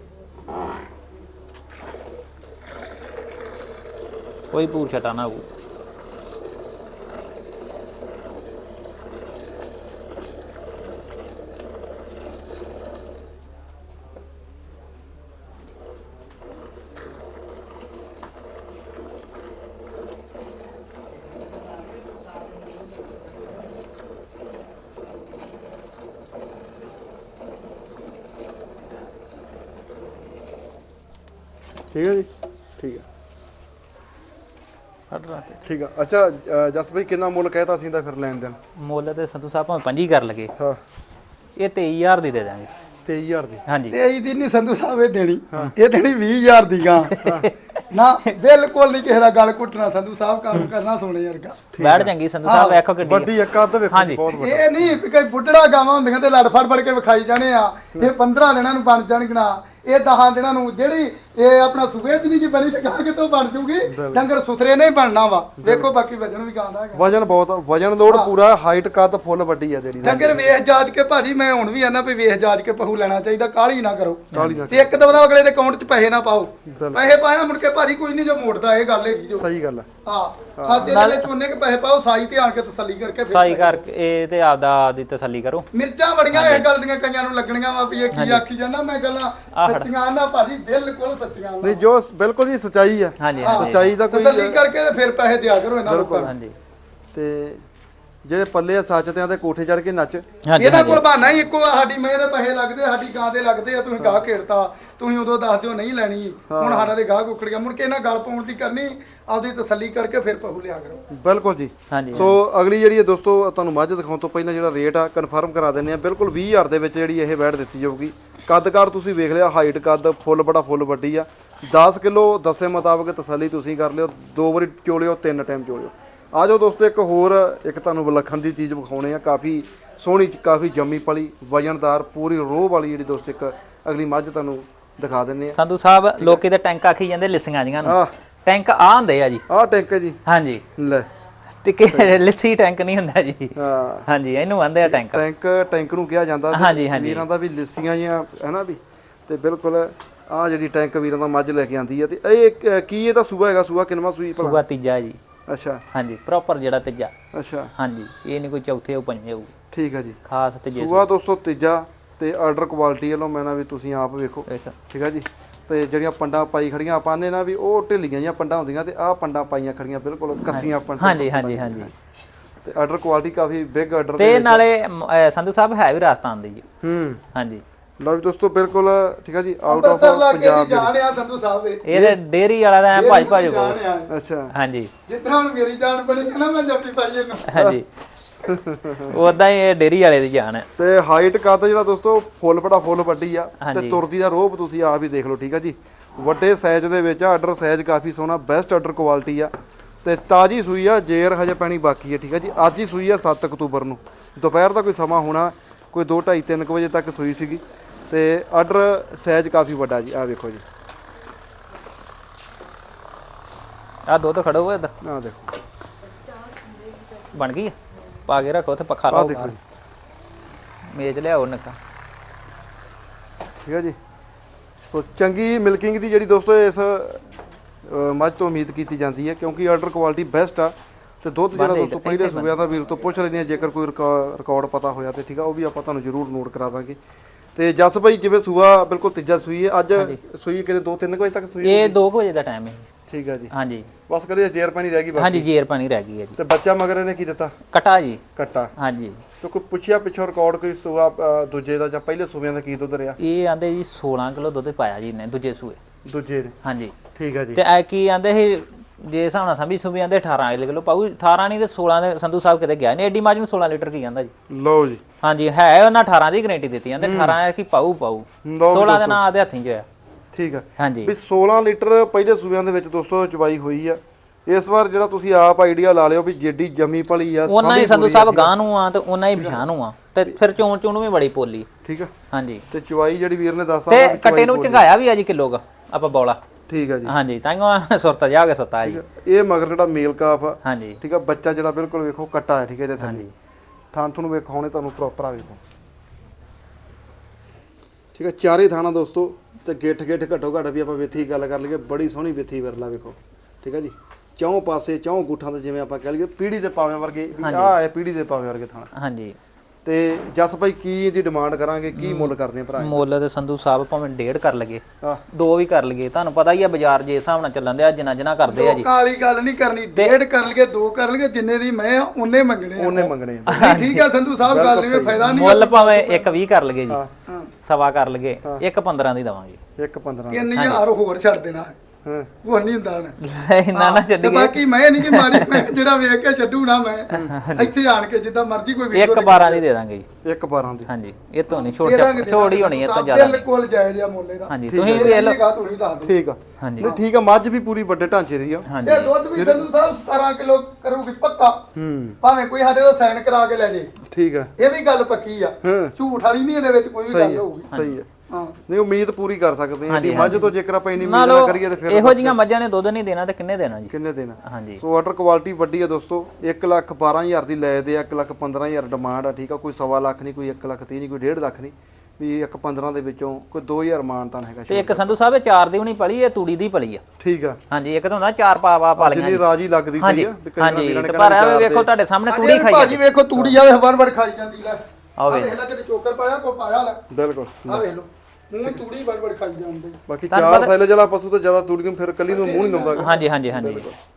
B: ਕੋਈ ਪੂਰ ਛਟਾ ਨਾ ਹੋਊ।
A: ਠੀਕ ਹੈ ਜੀ ਠੀਕ ਹੈ
B: ਫੜ ਰਾ ਤੇ
A: ਠੀਕ ਆ। ਅੱਛਾ ਜਸ ਭਾਈ ਕਿੰਨਾ ਮੁੱਲ ਕਹਿਤਾ ਸੀ ਦਾ ਫਿਰ ਲੈਣ ਦੇਣ?
B: ਮੁੱਲ ਤੇ ਸੰਧੂ ਸਾਹਿਬ ਭਾਵੇਂ 5 ਕਰ ਲਗੇ,
A: ਹਾਂ
B: ਇਹ 23,000 ਦੀ ਦੇ ਦਾਂਗੇ।
A: 23,000 ਦੀ?
B: ਹਾਂਜੀ
C: 23 ਦੀ ਨਹੀਂ ਸੰਧੂ ਸਾਹਿਬ ਇਹ ਦੇਣੀ, ਇਹ ਦੇਣੀ 20,000 ਦੀ ਗਾਂ। ਨਾ ਬਿਲਕੁਲ ਨਹੀਂ ਕਿਸੇ ਦਾ ਗਲ ਘੁੱਟਣਾ ਸੰਧੂ ਸਾਹਿਬ, ਕੰਮ ਕਰਨਾ ਸੋਨੇ ਵਰਗਾ।
B: ਬੈਠ ਚੰਗੀ ਸੰਧੂ ਸਾਹਿਬ, ਵੇਖੋ ਕਿੱਡੀ
A: ਵੱਡੀ ਇੱਕ ਅੱਧ ਵੇਖੋ ਬਹੁਤ ਵੱਡਾ।
C: ਇਹ ਨਹੀਂ ਵੀ ਕੋਈ ਬੁੱਢੜਾ ਗਾਵਾਂ ਹੁੰਦੀਆਂ ਤੇ ਲੜ ਫੜ ਕੇ ਵਿਖਾਈ ਜਾਣੇ ਆ। ਇਹ 15 ਦਿਨਾਂ ਨੂੰ ਬਣ ਜਾਣਗੀਆਂ, ਇਹ 10 ਦਿਨਾਂ ਨੂੰ। ਜਿਹੜੀ ਇਹ ਆਪਣਾ ਸੂਬੇ ਚ ਨਹੀਂ ਕੀ ਬਣੀ ਤੇ ਗਾਂ ਕਿਤੋਂ ਬਣ ਜੂਗੀ। ਡੰਗਰ ਸੁਥਰੇ ਨਹੀਂ ਬਣਨਾ ਵਾ। ਵੇਖੋ ਬਾਕੀ ਵਜਨ ਵੀ ਗਾਂ ਦਾ ਹੈਗਾ,
A: ਵਜਨ ਬਹੁਤ, ਵਜਨ ਲੋਡ ਪੂਰਾ, ਹਾਈਟ ਕੱਦ ਫੁੱਲ ਵੱਡੀ ਆ ਜਿਹੜੀ।
C: ਡੰਗਰ ਵੇਖ ਜਾਜ ਕੇ ਭਾਜੀ, ਮੈਂ ਹੁਣ ਵੀ ਆਨਾ ਵੀ ਵੇਖ ਜਾਜ ਕੇ ਪਹੂ ਲੈਣਾ ਚਾਹੀਦਾ, ਕਾਹਲੀ ਨਾ ਕਰੋ।
A: ਕਾਹਲੀ ਨਾ
C: ਤੇ ਇੱਕ ਦਵਾ ਅਗਲੇ ਦੇ ਅਕਾਊਂਟ 'ਚ ਪੈਸੇ ਨਾ ਪਾਓ। ਪੈਸੇ ਪਾਇਆ ਮੁੜ ਕੇ ਭਾਜੀ ਕੋਈ ਨਹੀਂ ਜੋ ਮੋੜਦਾ, ਇਹ ਗੱਲ ਹੈਗੀ ਜੋ।
A: ਸਹੀ ਗੱਲ ਆ।
C: ਖਾਤੇ ਦੇ ਵਿੱਚ ਉਹਨੇ ਕੇ ਪੈਸੇ ਪਾਓ, ਸਾਈ ਤੇ ਆਣ ਕੇ ਤਸੱਲੀ ਕਰਕੇ ਫਿਰ
B: ਸਾਈ ਕਰਕੇ ਇਹ ਤੇ ਆਪਦੀ ਤਸੱਲੀ ਕਰੋ।
C: ਮਿਰਚਾਂ ਬੜੀਆਂ ਇਹ ਗੱਲ ਦੀਆਂ ਕਈਆਂ ਨੂੰ ਲੱਗਣੀਆਂ ਵਾ ਵੀ ਇਹ ਕੀ ਆਖੀ ਜਾਂਦਾ। ਮੈਂ ਗੱਲਾਂ ਸੱਚੀਆਂ ਨਾ ਭਾਜੀ, ਬਿਲਕੁਲ ਸੱਚੀਆਂ।
A: ਨਹੀਂ ਜੋ ਬਿਲਕੁਲ ਜੀ ਸੱਚਾਈ ਆ।
B: ਹਾਂਜੀ
A: ਸੱਚਾਈ ਦਾ ਕੋਈ
C: ਤਸੱਲੀ ਕਰਕੇ ਤੇ ਫਿਰ ਪੈਸੇ ਦਿਆ ਕਰੋ ਇਹਨਾਂ ਲੋਕਾਂ ਨੂੰ।
B: ਹਾਂਜੀ
A: ਤੇ ਜਿਹੜੇ ਪੱਲੇ ਆ ਸੱਚ ਤੇ ਆਂਦੇ ਕੋਠੇ ਚੜ ਕੇ ਨੱਚ।
C: ਇਹਨਾਂ ਕੋਲ ਬਹਾਨਾ ਹੀ ਇੱਕੋ ਆ, ਸਾਡੀ ਮੈਂ ਦੇ ਪੈਸੇ ਲੱਗਦੇ, ਸਾਡੀ ਗਾਂ ਦੇ ਲੱਗਦੇ ਆ, ਤੁਸੀਂ ਗਾਹ ਖੇਡਤਾ, ਤੁਸੀਂ ਉਦੋਂ ਦੱਸ ਦਿਓ ਨਹੀਂ ਲੈਣੀ, ਹੁਣ ਸਾਡਾ ਤੇ ਗਾਹ ਕੁੱਕੜ ਗਿਆ। ਮੁੜ ਕੇ ਇਹਨਾਂ ਗੱਲ ਪਾਉਣ ਦੀ ਕਰਨੀ, ਆਪਦੀ ਤਸੱਲੀ ਕਰਕੇ ਫਿਰ ਪਹੂ ਲਿਆ ਕਰੋ।
A: ਬਿਲਕੁਲ ਜੀ।
B: ਹਾਂਜੀ
A: ਸੋ ਅਗਲੀ ਜਿਹੜੀ ਹੈ ਦੋਸਤੋ, ਤੁਹਾਨੂੰ ਮੱਝ ਦਿਖਾਉਣ ਤੋਂ ਪਹਿਲਾਂ ਜਿਹੜਾ ਰੇਟ ਆ ਕਨਫਰਮ ਕਰਾ ਦਿੰਦੇ ਆ। ਬਿਲਕੁਲ 20,000 ਦੇ ਵਿੱਚ ਜਿਹੜੀ ਇਹ ਵੈੜ ਦਿੱਤੀ ਜਾਊਗੀ। ਕੱਦ-ਕਾਰ ਤੁਸੀਂ ਵੇਖ ਲਿਆ, ਹਾਈਟ ਕੱਦ ਫੁੱਲ ਬੜਾ ਫੁੱਲ ਵੱਡੀ ਆ। 10 ਕਿਲੋ ਦੱਸੇ ਮੁਤਾਬਕ ਤਸੱਲੀ ਤੁਸੀਂ ਕਰ ਲਿਓ, 2 ਵਾਰੀ ਚੋਲਿਓ, 3 ਟਾਈਮ ਚੋਲਿਓ। ਆ ਜਾਓ ਦੋਸਤੋ, ਇੱਕ ਹੋਰ ਇੱਕ ਤੁਹਾਨੂੰ ਵਿਲੱਖਣ ਦੀ ਚੀਜ਼ ਵਿਖਾਉਣੇ ਆ। ਕਾਫੀ ਸੋਹਣੀ, ਕਾਫੀ ਜੰਮੀ ਪਲੀ, ਵਜਨਦਾਰ, ਪੂਰੀ ਰੋਹ ਵਾਲੀ ਜਿਹੜੀ ਦੋਸਤੋ ਇੱਕ ਅਗਲੀ ਮੱਝ ਤੁਹਾਨੂੰ ਦਿਖਾ ਦਿੰਨੇ ਆ।
B: ਸੰਧੂ ਸਾਹਿਬ ਲੋਕੀ ਤੇ ਟੈਂਕ ਆਖੀ ਜਾਂਦੇ ਲਿਸੀਆਂ ਜੀਆਂ ਨੂੰ, ਟੈਂਕ ਆ ਹੁੰਦੇ ਆ ਜੀ।
A: ਆਹ ਟੈਂਕ ਹੈ ਜੀ।
B: ਹਾਂਜੀ
A: ਲੈ
B: ਤੇ ਲਿੱਸੀ ਟੈਂਕ ਨਹੀਂ ਹੁੰਦਾ ਜੀ। ਹਾਂਜੀ ਇਹਨੂੰ ਆਂਦੇ ਆ ਟੈਂਕ।
A: ਟੈਂਕ ਨੂੰ ਕਿਹਾ ਜਾਂਦਾ ਵੀਰਾਂ ਦਾ ਵੀ ਲਿੱਸੀਆਂ ਜੀਆਂ ਹੈ ਨਾ ਵੀ। ਤੇ ਬਿਲਕੁਲ ਆਹ ਜਿਹੜੀ ਟੈਂਕ ਵੀਰਾਂ ਦਾ ਮੱਝ ਲੈ ਕੇ ਆਂਦੀ ਆ। ਤੇ ਇਹ ਕੀ ਇਹਦਾ ਸੂਆ ਹੈਗਾ? ਸੂਆ ਕਿੰਨਵਾਂ ਸੂਈ ਭਲਾ?
B: ਸੂਆ ਤੀਜਾ ਜੀ।
A: ਅੱਛਾ
B: ਹਾਂਜੀ ਪ੍ਰੋਪਰ ਜਿਹੜਾ ਤੀਜਾ।
A: ਅੱਛਾ
B: ਹਾਂਜੀ ਇਹ ਨਹੀਂ ਕੋਈ ਚੌਥੇ ਉਹ ਪੰਜੇ ਹੋਊ।
A: ਠੀਕ ਹੈ ਜੀ।
B: ਖਾਸ ਤੀਜੇ
A: ਸੂਆ ਦੋਸਤੋ ਤੀਜਾ। ਤੇ ਆਰਡਰ ਕੁਆਲਿਟੀ ਵੱਲੋਂ ਮੈਂ ਨਾ ਵੀ ਤੁਸੀਂ ਆਪ ਵੇਖੋ ਠੀਕ ਹੈ ਜੀ। ਤੇ ਜਿਹੜੀਆਂ ਪੰਡਾਂ ਪਾਈ ਖੜੀਆਂ ਆਪਾਂ ਨੇ ਨਾ ਵੀ ਉਹ ਢਿੱਲੀਆਂ ਜਿਹੀਆਂ ਪੰਡਾਂ ਹੁੰਦੀਆਂ, ਤੇ ਆਹ ਪੰਡਾਂ ਪਾਈਆਂ ਖੜੀਆਂ ਬਿਲਕੁਲ ਕੱਸੀਆਂ ਪੰਡਾਂ।
B: ਹਾਂਜੀ ਹਾਂਜੀ ਹਾਂਜੀ।
A: ਤੇ ਆਰਡਰ ਕੁਆਲਿਟੀ ਕਾਫੀ ਬਿਗ ਆਰਡਰ
B: ਤੇ ਨਾਲੇ ਸੰਧੂ ਸਾਹਿਬ ਹੈ ਵੀ ਰਾਜਸਥਾਨ ਦੀ ਜੀ। ਹਾਂਜੀ
A: ਲਓ ਜੀ ਦੋਸਤੋ ਬਿਲਕੁਲ ਠੀਕ ਹੈ ਜੀ। ਆਊਟ ਆਫ
C: ਪੰਜਾਬ
A: ਪੰਜਾਬ
C: ਜਾਣ ਆ ਸੰਧੂ ਸਾਹਿਬ
B: ਇਹਦੇ ਡੇਰੀ ਵਾਲਾ ਦਾ ਭੱਜ ਭੱਜ ਕੋ।
A: ਅੱਛਾ
C: ਜਿੱਦਾਂ ਹੁਣ ਮੇਰੀ ਜਾਨ ਬਣੀ ਹੈ ਨਾ, ਮੈਂ ਜੱਫੀ ਪਾਈ ਇਹਨੂੰ।
B: ਹਾਂਜੀ ਉਦਾਂ ਹੀ ਇਹ ਡੇਰੀ ਵਾਲੇ ਦੀ ਜਾਨ ਹੈ।
A: ਤੇ ਹਾਈਟ ਕੱਦ ਜਿਹੜਾ ਦੋਸਤੋ ਫੁੱਲ ਵੱਡੀ ਆ ਤੇ ਤੁਰਦੀ ਦਾ ਰੋਪ ਤੁਸੀਂ ਆਪ ਹੀ ਦੇਖ ਲਓ ਠੀਕ ਆ ਜੀ। ਵੱਡੇ ਸਾਈਜ਼ ਦੇ ਵਿੱਚ ਆਰਡਰ ਸਾਈਜ਼ ਕਾਫੀ ਸੋਹਣਾ, ਬੈਸਟ ਆਰਡਰ ਕੁਆਲਿਟੀ ਆ ਤੇ ਤਾਜੀ ਸੂਈ ਆ, ਜੇਰ ਹਜੇ ਪੈਣੀ ਬਾਕੀ ਹੈ ਠੀਕ ਆ ਜੀ। ਅੱਜ ਹੀ ਸੂਈ ਆ 7 ਅਕਤੂਬਰ ਨੂੰ, ਦੁਪਹਿਰ ਦਾ ਕੋਈ ਸਮਾਂ ਹੋਣਾ, ਕੋਈ 2, 2:30, 3 ਵਜੇ ਤੱਕ ਸੂਈ ਸੀਗੀ ਤੇ ਆਰਡਰ ਸਾਈਜ਼ ਕਾਫੀ ਵੱਡਾ ਜੀ। ਆ ਵੇਖੋ ਜੀ,
B: ਆ ਦੁੱਧ ਖੜੋ ਹੋਇਆ
A: ਆ ਦੇਖੋ
B: ਬਣ ਗਈ ਆ। ਪਾ ਕੇ ਰੱਖੋ ਤੇ ਪੱਖਾ
A: ਆ
B: ਲਾਓ,
A: ਦੇਖੋ ਜੀ
B: ਮੇਜ਼ ਲਿਆਓ ਨੱਕਾ।
A: ਠੀਕ ਹੈ ਜੀ। ਸੋ ਚੰਗੀ ਮਿਲਕਿੰਗ ਦੀ ਜਿਹੜੀ ਦੋਸਤੋ ਇਸ ਮੱਝ ਤੋਂ ਉਮੀਦ ਕੀਤੀ ਜਾਂਦੀ ਹੈ ਕਿਉਂਕਿ ਆਰਡਰ ਕੁਆਲਿਟੀ ਬੈਸਟ ਆ ਤੇ ਦੁੱਧ ਜਿਹੜਾ ਦੋਸਤੋ ਪਹਿਲੇ ਸੂਬਿਆਂ ਦਾ ਵੀਰ ਤੋਂ ਪੁੱਛ ਲੈਂਦੇ ਆ, ਜੇਕਰ ਕੋਈ ਰਿਕਾਰਡ ਪਤਾ ਹੋਇਆ ਤੇ ਠੀਕ ਆ, ਉਹ ਵੀ ਆਪਾਂ ਤੁਹਾਨੂੰ ਜ਼ਰੂਰ ਨੋਟ ਕਰਾ ਦਾਂਗੇ। ਤੇ ਜਸ ਭਾਈ ਜਿਵੇਂ ਸੂਆ ਬਿਲਕੁਲ ਤੀਜਾ ਸੂਈ ਹੈ ਅੱਜ, ਸੂਈ ਕਿਤੇ 2-3 ਵਜੇ ਤੱਕ ਸੂਈ?
B: ਇਹ 2 ਵਜੇ ਦਾ ਟਾਈਮ ਹੈ।
A: ਠੀਕ ਹੈ ਜੀ।
B: ਹਾਂਜੀ
A: ਬਸ ਕਰੀਏ ਜੇਰ ਪਾਣੀ ਰਹਿ ਗਈ ਬਾਕੀ?
B: ਹਾਂਜੀ ਜੇਰ ਪਾਣੀ ਰਹਿ ਗਈ ਹੈ ਜੀ।
A: ਤੇ ਬੱਚਾ ਮਗਰ ਇਹਨੇ ਕੀ ਦਿੱਤਾ?
B: ਕਟਾ ਜੀ।
A: ਕੱਟਾ।
B: ਹਾਂਜੀ।
A: ਤੇ ਕੋਈ ਪੁੱਛਿਆ ਪਿੱਛੋਂ ਰਿਕਾਰਡ ਕੋਈ ਸੂਆ ਦੂਜੇ ਦਾ ਜਾਂ ਪਹਿਲੇ ਸੂਬਿਆਂ ਦਾ ਕੀ ਦੁੱਧ ਰਿਹਾ?
B: ਇਹ ਆਂਦੇ ਜੀ 16 ਕਿਲੋ ਦੁੱਧ ਪਾਇਆ ਜੀ ਇਹਨੇ ਦੂਜੇ ਸੂਏ।
A: ਦੂਜੇ ਨੇ?
B: ਹਾਂਜੀ।
A: ਠੀਕ ਹੈ ਜੀ।
B: ਤੇ ਐ ਕੀ ਆਂਦੇ ਸੀ ਜੇ ਹਿਸਾਬ ਨਾਲ ਸਮਝੀ ਸੂਬੇ ਆਂਦੇ 18 ਕਿਲੋ ਪਾਉ, 18 ਨਹੀਂ ਤੇ 16 ਦੇ ਸੰਧੂ ਸਾਹਿਬ ਕਿਤੇ ਗਿਆ ਨਹੀਂ, ਐਡੀ ਮੱਝ ਨੂੰ 16 ਲੀਟਰ ਕੀ ਜਾਂਦਾ ਜੀ।
A: ਲਓ ਜੀ।
B: ਹਾਂਜੀ ਹੈ ਉਹਨਾਂ 18 ਦੀ ਗਾਰੰਟੀ ਦਿੱਤੀ ਜਾਂਦੇ, 18 ਹੈ ਕਿ ਪਾਉ 16 ਦੇ ਨਾਂ ਆਦੇ ਹੱਥੀਂ ਚ ਹੋਇਆ।
A: ਠੀਕ ਹੈ।
B: ਹਾਂਜੀ
A: ਵੀ 16 ਲੀਟਰ ਪਹਿਲੇ ਸੂਬਿਆਂ ਦੇ ਵਿੱਚ ਦੋਸਤੋ ਚਵਾਈ ਹੋਈ ਆ। ਇਸ ਵਾਰ ਜਿਹੜਾ ਤੁਸੀਂ ਆਪ ਆਈਡੀਆ ਲਾ ਲਿਓ ਵੀ ਜਿੱਡੀ ਜੰਮੀ ਭਲੀ ਆ,
B: ਉਹਨਾਂ ਹੀ ਸੰਧੂ ਸਾਹਿਬ ਗਾਂ ਨੂੰ ਆ ਤੇ ਉਹਨਾਂ ਹੀ ਪਛਾਣ ਨੂੰ ਆ ਤੇ ਫਿਰ ਚੋਣ ਵੀ ਬੜੀ ਪੋਲੀ।
A: ਠੀਕ ਆ।
B: ਹਾਂਜੀ।
A: ਤੇ ਚਵਾਈ ਜਿਹੜੀ ਵੀਰ ਨੇ ਦੱਸਤਾ
B: ਤੇ ਕੱਟੇ ਨੂੰ ਚੰਗਾਇਆ ਵੀ ਆ ਜੀ ਕਿਲੋ ਆਪਾਂ ਬੌਲਾ।
A: ਠੀਕ ਆ ਜੀ।
B: ਹਾਂਜੀ ਤਾਂਗੋ ਸੁਰਤਾ ਜਾ ਕੇ ਸੁੱਤਾ ਜੀ।
A: ਇਹ ਮਗਰ ਜਿਹੜਾ ਮੇਲ ਕਾਫ ਆ।
B: ਹਾਂਜੀ।
A: ਠੀਕ ਆ। ਬੱਚਾ ਜਿਹੜਾ ਬਿਲਕੁਲ ਵੇਖੋ ਕੱਟਾ ਹੈ। ਠੀਕ ਹੈ ਇਹਦੇ ਥੱਲੇ ਥਾਂ ਤੁਹਾਨੂੰ ਵੇਖਾਉਣੇ ਤੁਹਾਨੂੰ ਪ੍ਰੋਪਰ ਆ ਵੇਖੋ। ਠੀਕ ਆ। ਚਾਰੇ ਥਾਣਾ ਦੋਸਤੋ ਤੇ ਗਿੱਠ ਘੱਟੋ ਘੱਟ ਵੀ ਆਪਾਂ ਵੇਥੀ ਗੱਲ ਕਰ ਲਈਏ, ਬੜੀ ਸੋਹਣੀ ਵੇਥੀ ਵਿਰਲਾ ਵੇਖੋ। ਠੀਕ ਆ ਜੀ। ਚੌਂ ਪਾਸੇ ਚੌਂ ਗੁੱਠਾਂ ਤੇ ਜਿਵੇਂ ਆਪਾਂ ਕਹਿ ਲਈਏ ਪੀੜੀ ਦੇ ਪਾਵੇਂ ਵਰਗੇ, ਆਹ ਹੈ ਪੀੜੀ ਦੇ ਪਾਵੇਂ ਵਰਗੇ ਥਾਣਾ।
B: ਹਾਂਜੀ।
A: ਤੇ ਜਸ ਭਾਈ ਕੀ ਇਹਦੀ ਡਿਮਾਂਡ ਕਰਾਂਗੇ, ਕੀ ਮੁੱਲ ਕਰਦੇ ਆ ਭਰਾ?
B: ਮੁੱਲ ਤੇ ਸੰਧੂ ਸਾਹਿਬ ਭਾਵੇਂ 1.5 ਕਰ ਲਗੇ,
A: ਆਹ
B: 2 ਵੀ ਕਰ ਲਗੇ, ਤੁਹਾਨੂੰ ਪਤਾ ਹੀ ਆ ਬਾਜ਼ਾਰ ਜੇ ਹਿਸਾਬ ਨਾਲ ਚੱਲਣ ਦਿਆ ਜਿੰਨਾ ਕਰਦੇ ਆ ਜੀ।
C: ਕਾਲੀ ਗੱਲ ਨਹੀਂ ਕਰਨੀ, 1.5 ਕਰ ਲਗੇ 2 ਕਰ ਲਗੇ, ਜਿੰਨੇ ਦੀ ਮੈਂ ਆ ਉਹਨੇ ਮੰਗਣੇ ਆ।
A: ਉਹਨੇ ਮੰਗਣੇ ਆ।
C: ਨਹੀਂ ਠੀਕ ਆ ਸੰਧੂ ਸਾਹਿਬ, ਗੱਲ ਨਹੀਂ ਫਾਇਦਾ ਨਹੀਂ।
B: ਮੁੱਲ ਭਾਵੇਂ 1.20 ਕਰ ਲਗੇ ਜੀ,
C: ਹਾਂ
B: ਸਵਾ ਕਰ ਲਗੇ, 1.15 ਦੀ ਦਵਾਂਗੇ।
A: 1.15
C: 3000 ਹੋਰ ਛੱਡ ਦੇਣਾ।
A: ਹਾਂ
C: ਉਹ ਨਹੀਂ ਹੁੰਦਾ ਨਾ।
B: ਇੰਨਾ ਨਾ
C: ਤੇ
B: ਛੱਡੀਏ।
C: ਬਾਕੀ ਮੈਂ ਨਹੀਂ ਕਿ ਮਾੜੀ, ਮੈਂ ਜਿਹੜਾ ਵੇਖ ਕੇ ਛੱਡੂ ਨਾ, ਮੈਂ ਇੱਥੇ ਆਣ ਕੇ ਜਿੱਦਾਂ ਮਰਜ਼ੀ ਕੋਈ ਵੀਡੀਓ
B: 1.12 ਦੀ ਦੇ ਦਾਂਗੇ ਜੀ।
A: 1.12 ਦੀ।
B: ਹਾਂਜੀ। ਇਹ ਤੋਂ ਨਹੀਂ ਛੋੜ ਹੀ ਹੋਣੀ ਹੈ ਤਾਂ ਜ਼ਿਆਦਾ
C: ਬਿਲਕੁਲ ਜਾਇਜ਼ ਆ ਮੁੱਲ ਇਹਦਾ।
B: ਹਾਂਜੀ। ਤੁਸੀਂ ਵੀ ਇਹ ਲਓ।
C: ਤੁਸੀਂ ਦੱਸ ਦਿਓ।
A: ਠੀਕ ਆ।
B: ਹਾਂਜੀ।
A: ਨਹੀਂ ਠੀਕ ਆ। ਮੱਝ ਵੀ ਪੂਰੀ ਵੱਡੇ ਢਾਂਚੇ ਦੀ ਆ।
B: ਹਾਂਜੀ।
C: ਇਹ ਦੁੱਧ ਵੀ ਸੰਧੂ ਸਾਹਿਬ 17 ਕਿਲੋ ਕਰੂਗੀ ਪੱਕਾ। ਭਾਵੇਂ ਕੋਈ ਸਾਡੇ ਤੋਂ ਸਾਈਨ ਕਰਾ ਕੇ ਲੈ ਜੇ।
A: ਠੀਕ ਆ।
C: ਇਹ ਵੀ ਗੱਲ ਪੱਕੀ ਆ, ਝੂਠ ਵਾਲੀ ਨਹੀਂ ਇਹਦੇ ਵਿੱਚ ਕੋਈ ਵੀ ਗੱਲ ਹੋਊਗੀ।
A: ਸਹੀ ਆ।
C: ਹਾਂ।
A: ਨਹੀਂ ਉਮੀਦ ਪੂਰੀ ਕਰ ਸਕਦੇ ਆ ਜੀ ਮੱਝ ਤੋਂ, ਜੇਕਰ ਆਪਾਂ ਇੰਨੀ ਉਮੀਦ
B: ਨਾਲੋਂ
A: ਨਾ ਕਰੀਏ ਤੇ ਫਿਰ
B: ਇਹੋ ਜੀਆਂ ਮੱਝਾਂ ਨੇ ਦੁੱਧ ਨਹੀਂ ਦੇਣਾ ਤੇ ਕਿੰਨੇ ਦੇਣਾ ਜੀ?
A: ਕਿੰਨੇ ਦੇਣਾ?
B: ਹਾਂਜੀ।
A: ਸੋ ਆਰਡਰ ਕੁਆਲਿਟੀ ਵੱਡੀ ਆ ਦੋਸਤੋ। 1,12,000 ਦੀ ਲੈ ਦੇ ਆ, 1,15,000 ਡਿਮਾਂਡ ਆ। ਠੀਕ ਆ। ਕੋਈ 1.25 ਲੱਖ ਨਹੀਂ, ਕੋਈ 1,30,000 ਨਹੀਂ, ਕੋਈ 1.5 ਲੱਖ ਨਹੀਂ, ਵੀ 1,15 ਦੇ ਵਿੱਚੋਂ ਕੋਈ 2,000 ਮਾਨਤਾਨ ਹੈਗਾ।
B: ਤੇ ਇੱਕ ਸੰਧੂ ਸਾਹਿਬ ਇਹ 4 ਦੀ ਵੀ ਨਹੀਂ ਪਲੀ, ਇਹ ਤੂੜੀ ਦੀ ਪਲੀ ਆ।
A: ਠੀਕ ਆ।
B: ਹਾਂਜੀ। ਇੱਕ ਤਾਂ ਹੁੰਦਾ 4 ਪਾ ਲਈਆਂ
A: ਜਿੰਨੀ ਰਾਜੀ ਲੱਗਦੀ ਪਈ ਆ।
B: ਹਾਂਜੀ। ਤੇ ਪਰ ਇਹ ਵੇਖੋ ਤੁਹਾਡੇ ਸਾਹਮਣੇ ਤੂੜੀ ਖਾਈ
C: ਭਾਜੀ ਵੇਖੋ ਤੂੜੀ ਆ ਵੜ ਖਾਈ ਜਾਂਦੀ ਲੈ।
B: ਆ ਵੇ
C: ਦੇਖ ਲੈ ਕਿਤੇ ਚੋਕਰ ਪਾਇਆ ਕੋ ਪਾਇਆ ਲੈ।
A: ਬਿਲਕੁਲ।
C: ਆ ਵੇਖ ਲਓ ਮੂੰਹ ਤੂੜੀ ਵੜ ਖਾਈ ਜਾਂਦੇ।
A: ਬਾਕੀ 4 ਸਾਈਲ ਜਿਹੜਾ ਪਸ਼ੂ ਤੋਂ ਜ਼ਿਆਦਾ ਤੂੜੀ ਨੂੰ ਫਿਰ ਕੱਲੀ ਨੂੰ ਮੂੰਹ ਨਹੀਂ ਲਾਉਂਦਾ।
B: ਹਾਂਜੀ ਹਾਂਜੀ ਹਾਂਜੀ।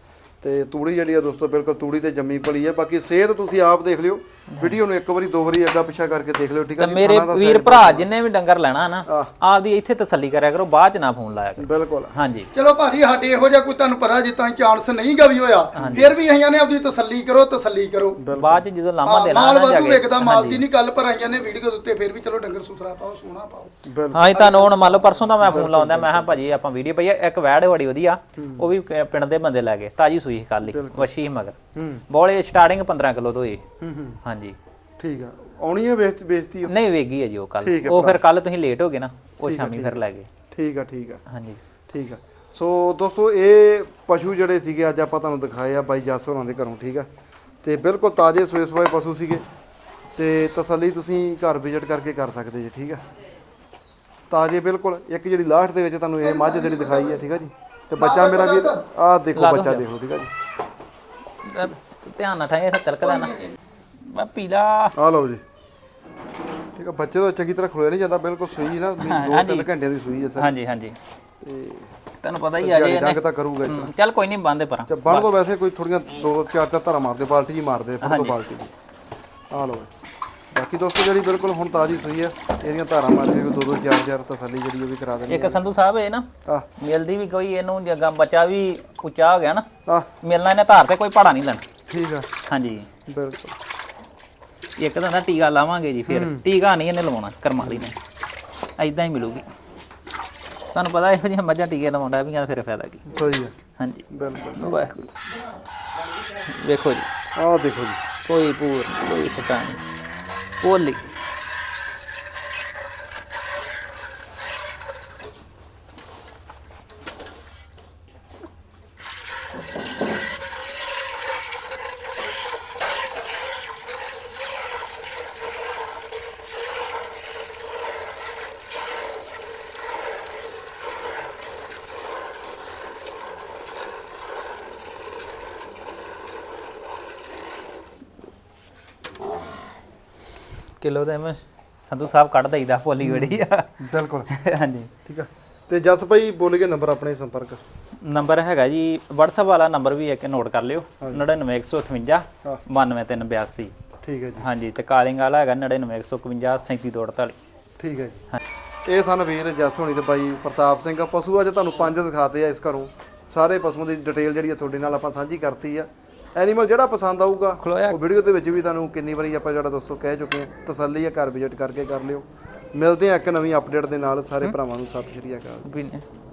A: ਤੇ ਤੂੜੀ ਜਿਹੜੀ ਆ ਦੋਸਤੋ ਬਿਲਕੁਲ ਤੂੜੀ ਤੇ ਜੰਮੀ ਭਲੀ ਆ। ਬਾਕੀ ਸਿਹਤ ਤੁਸੀਂ ਆਪ ਦੇਖ ਲਿਓ, ਵੀਡੀਓ ਨੂੰ 1 ਵਾਰੀ 2 ਵਾਰੀ ਅੱਗਾ ਪਿੱਛਾ ਕਰਕੇ ਦੇਖ ਲਿਓ। ਠੀਕ ਆ।
B: ਤੇ ਮੇਰੇ ਵੀਰ ਭਰਾ ਜਿੰਨੇ ਵੀ ਡੰਗਰ ਲੈਣਾ ਨਾ, ਆਪਦੀ ਇੱਥੇ ਤਸੱਲੀ ਕਰਿਆ ਕਰੋ, ਬਾਅਦ ਚ ਨਾ ਫੋਨ ਲਾਇਆ ਕਰੋ।
A: ਬਿਲਕੁਲ।
B: ਹਾਂਜੀ।
C: ਚਲੋ ਭਾਜੀ ਸਾਡੇ ਇਹੋ ਜਿਹਾ ਕੋਈ ਤੁਹਾਨੂੰ ਪਤਾ ਜਿੱਦਾਂ ਚਾਂਸ ਨਹੀਂ ਗਾ ਵੀ ਹੋਇਆ, ਫਿਰ ਵੀ ਅਸੀਂ ਨੇ ਆਪਦੀ ਤਸੱਲੀ ਕਰੋ।
B: ਬਾਅਦ ਚ ਜਦੋਂ ਲਾਮਾ ਦੇਣਾ
C: ਮਾਲ
B: ਨਾ ਜਾ
C: ਵਾਧੂ
B: ਕੇ।
C: ਵੇਖਦਾ, ਮਾਲ ਦੀ ਨਹੀਂ ਗੱਲ, ਪਰ ਆਈਆਂ ਨੇ ਵੀਡੀਓ ਦੇ ਉੱਤੇ ਫਿਰ ਵੀ ਚਲੋ ਡੰਗਰ ਸੁਥਰਾ ਪਾਓ, ਸੋਹਣਾ ਪਾਓ।
B: ਹਾਂਜੀ। ਤੁਹਾਨੂੰ ਹੁਣ ਮੰਨ ਲਓ ਪਰਸੋਂ ਦਾ ਮੈਂ ਫੋਨ ਲਾਉਂਦਾ, ਮੈਂ ਕਿਹਾ ਭਾਜੀ ਆਪਾਂ ਵੀਡੀਓ ਪਈ ਆ, ਇੱਕ ਵੈੜ ਬੜੀ ਵਧੀਆ, ਉਹ ਵੀ ਪਿੰਡ ਦੇ ਬੰਦੇ ਲੈ ਗਏ, ਤਾਜੀ ਸੂਈ ਕੱਲ ਹੀ, ਵਸ਼ੀ ਮਗਰ ਬੋਲੇ ਸਟਾਰਟਿੰਗ 15 ਕਿਲੋ ਤੋਂ ਹੀ। ਹਾਂਜੀ।
A: ਠੀਕ ਆ। ਆਉਣੀ ਹੈ ਵੇਚਤੀ?
B: ਨਹੀਂ ਵੇਗੀ ਹੈ ਜੀ ਉਹ ਕੱਲ, ਉਹ ਫਿਰ ਕੱਲ ਤੁਸੀਂ ਲੇਟ ਹੋ ਗਏ ਨਾ, ਉਹ ਸ਼ਾਮੀ ਫਿਰ ਲੈ ਗਏ।
A: ਠੀਕ ਆ। ਠੀਕ ਆ।
B: ਹਾਂਜੀ।
A: ਠੀਕ ਆ। ਸੋ ਦੋਸਤੋ ਇਹ ਪਸ਼ੂ ਜਿਹੜੇ ਸੀਗੇ ਅੱਜ ਆਪਾਂ ਤੁਹਾਨੂੰ ਦਿਖਾਏ ਆ ਬਾਈ ਜੱਸ ਹੋਰਾਂ ਦੇ ਘਰੋਂ। ਠੀਕ ਆ। ਤੇ ਬਿਲਕੁਲ ਤਾਜ਼ੇ ਸੂਏ ਸਵਾਏ ਪਸ਼ੂ ਸੀਗੇ ਤੇ ਤਸੱਲੀ ਤੁਸੀਂ ਘਰ ਵਿਜ਼ਿਟ ਕਰਕੇ ਕਰ ਸਕਦੇ ਜੀ। ਠੀਕ ਆ। ਤਾਜ਼ੇ ਬਿਲਕੁਲ। ਇੱਕ ਜਿਹੜੀ ਲਾਸਟ ਦੇ ਵਿੱਚ ਤੁਹਾਨੂੰ ਇਹ ਮੱਝ ਜਿਹੜੀ ਦਿਖਾਈ ਹੈ। ਠੀਕ ਆ ਜੀ। ਤੇ ਬੱਚਾ ਮੇਰਾ ਵੀ ਆਹ ਦੇਖੋ ਬੱਚਾ ਦੇਖੋ। ਠੀਕ ਆ ਜੀ।
B: ਧਿਆਨ ਨਾਲ ਠਾਏ, ਤਿਲਕਦਾ ਨਾ ਮੈਂ ਪੀਲਾ।
A: ਆ ਲਓ ਜੀ। ਠੀਕ ਆ। ਬੱਚੇ ਤੋਂ ਚੰਗੀ ਤਰ੍ਹਾਂ ਖਲੋਇਆ ਨਹੀਂ ਜਾਂਦਾ, ਬਿਲਕੁਲ ਸੂਈ ਨਾ 2-3 ਘੰਟਿਆਂ ਦੀ ਸੂਈ ਹੈ ਸਰ।
B: ਹਾਂਜੀ ਹਾਂਜੀ।
A: ਤੇ
B: ਤੁਹਾਨੂੰ ਪਤਾ ਹੀ ਆ ਜੇ
A: ਡੰਗ ਤਾਂ ਕਰੂਗਾ।
B: ਚੱਲ ਕੋਈ ਨਹੀਂ ਬੰਦੇ ਪਰ
A: ਤੇ ਬਣ ਤੋਂ ਵੈਸੇ ਕੋਈ ਥੋੜੀਆਂ 2-4 ਧਾਰਾਂ ਮਾਰਦੇ, ਬਾਲਟੀ ਜੀ ਮਾਰਦੇ ਫਿਰ ਤੋਂ ਬਾਲਟੀ ਜੀ। ਆ ਲਓ। ਬਾਕੀ ਦੋਸਤੋ ਜਿਹੜੀ ਬਿਲਕੁਲ ਹੁਣ ਤਾਜ਼ੀ ਸੂਈ ਆ, ਇਹਦੀਆਂ ਧਾਰਾਂ ਮਾਰ ਕੇ 2-2 4-4 ਤਸੱਲੀ ਜਿਹੜੀ ਉਹ ਵੀ ਕਰਾ ਦੇਣੀ।
B: ਇੱਕ ਸੰਧੂ ਸਾਹਿਬ ਇਹ ਨਾ ਮਿਲਦੀ ਵੀ ਕੋਈ ਇਹਨੂੰ ਜੱਗਾ ਬੱਚਾ ਵੀ ਉੱਚਾ ਹੋ ਗਿਆ ਨਾ,
A: ਆ
B: ਮਿਲਣਾ ਇਹਨੇ ਧਾਰ ਤੇ ਕੋਈ ਪਹਾੜਾ ਨਹੀਂ ਲੈਣਾ।
A: ਠੀਕ ਆ।
B: ਹਾਂਜੀ।
A: ਬਿਲਕੁਲ।
B: ਇੱਕ ਤਾਂ ਨਾ ਟੀਕਾ ਲਾਵਾਂਗੇ ਜੀ ਫਿਰ ਟੀਕਾ ਨਹੀਂ ਇਹਨੇ ਲਵਾਉਣਾ ਕਰਮਾਲੀ ਨੇ ਐਦਾਂ ਹੀ ਮਿਲੂਗੀ ਤੁਹਾਨੂੰ ਪਤਾ ਇਹੋ ਜਿਹੀਆਂ ਮੱਝਾਂ ਟੀਕੇ ਲਵਾਉਂਦਾ ਵੀ ਫਿਰ ਫਾਇਦਾ ਕੀ
A: ਸਹੀ ਹੈ
B: ਹਾਂਜੀ
A: ਬਿਲਕੁਲ
B: ਵਾਹਿਗੁਰੂ ਵੇਖੋ ਜੀ
A: ਆਹ ਦੇਖੋ ਜੀ
B: ਕੋਈ ਪੂਰ ਕੋਈ ਪਤਾ ਨਹੀਂ ਪੋਲੀ ਕਿਲੋ ਦੇ ਮੈਂ ਸੰਧੂ ਸਾਹਿਬ ਕੱਢ ਦਈਦਾ ਪੋਲੀ ਬੜੀ ਆ
A: ਬਿਲਕੁਲ
B: ਹਾਂਜੀ
A: ਠੀਕ ਆ ਤੇ ਜਸ ਭਾਈ ਬੋਲੇਗੇ ਨੰਬਰ ਆਪਣੇ ਸੰਪਰਕ
B: ਨੰਬਰ ਹੈਗਾ ਜੀ WhatsApp ਵਾਲਾ ਨੰਬਰ ਵੀ ਇੱਕ ਨੋਟ ਕਰ ਲਿਓ 99158 92382
A: ਠੀਕ ਹੈ ਜੀ
B: ਹਾਂਜੀ ਤੇ ਕਾਲਿੰਗ ਵਾਲਾ ਹੈਗਾ 99151 37248
A: ਠੀਕ ਹੈ ਜੀ ਇਹ ਸਨ ਵੀਰ ਜਸ ਹੋਣੀ ਤੇ ਬਾਈ ਪ੍ਰਤਾਪ ਸਿੰਘ ਪਸ਼ੂ ਅੱਜ ਤੁਹਾਨੂੰ 5 ਦਿਖਾਤੇ ਆ ਇਸ ਘਰੋਂ ਸਾਰੇ ਪਸ਼ੂਆਂ ਦੀ ਡਿਟੇਲ ਜਿਹੜੀ ਆ ਤੁਹਾਡੇ ਨਾਲ ਆਪਾਂ ਸਾਂਝੀ ਕਰਤੀ ਆ ਐਨੀਮਲ ਜਿਹੜਾ ਪਸੰਦ ਆਊਗਾ ਉਹ ਵੀਡੀਓ ਦੇ ਵਿੱਚ ਵੀ ਤੁਹਾਨੂੰ ਕਿੰਨੀ ਵਾਰੀ ਆਪਾਂ ਜਿਹੜਾ ਦੋਸਤੋ ਕਹਿ ਚੁੱਕੇ ਆ ਤਸੱਲੀ ਆ ਘਰ ਵਿਜ਼ਿਟ ਕਰਕੇ ਕਰ ਲਿਓ ਮਿਲਦੇ ਆ ਇੱਕ ਨਵੀਂ ਅਪਡੇਟ ਦੇ ਨਾਲ ਸਾਰੇ ਭਰਾਵਾਂ ਨੂੰ ਸਤਿ ਸ਼੍ਰੀ ਅਕਾਲ।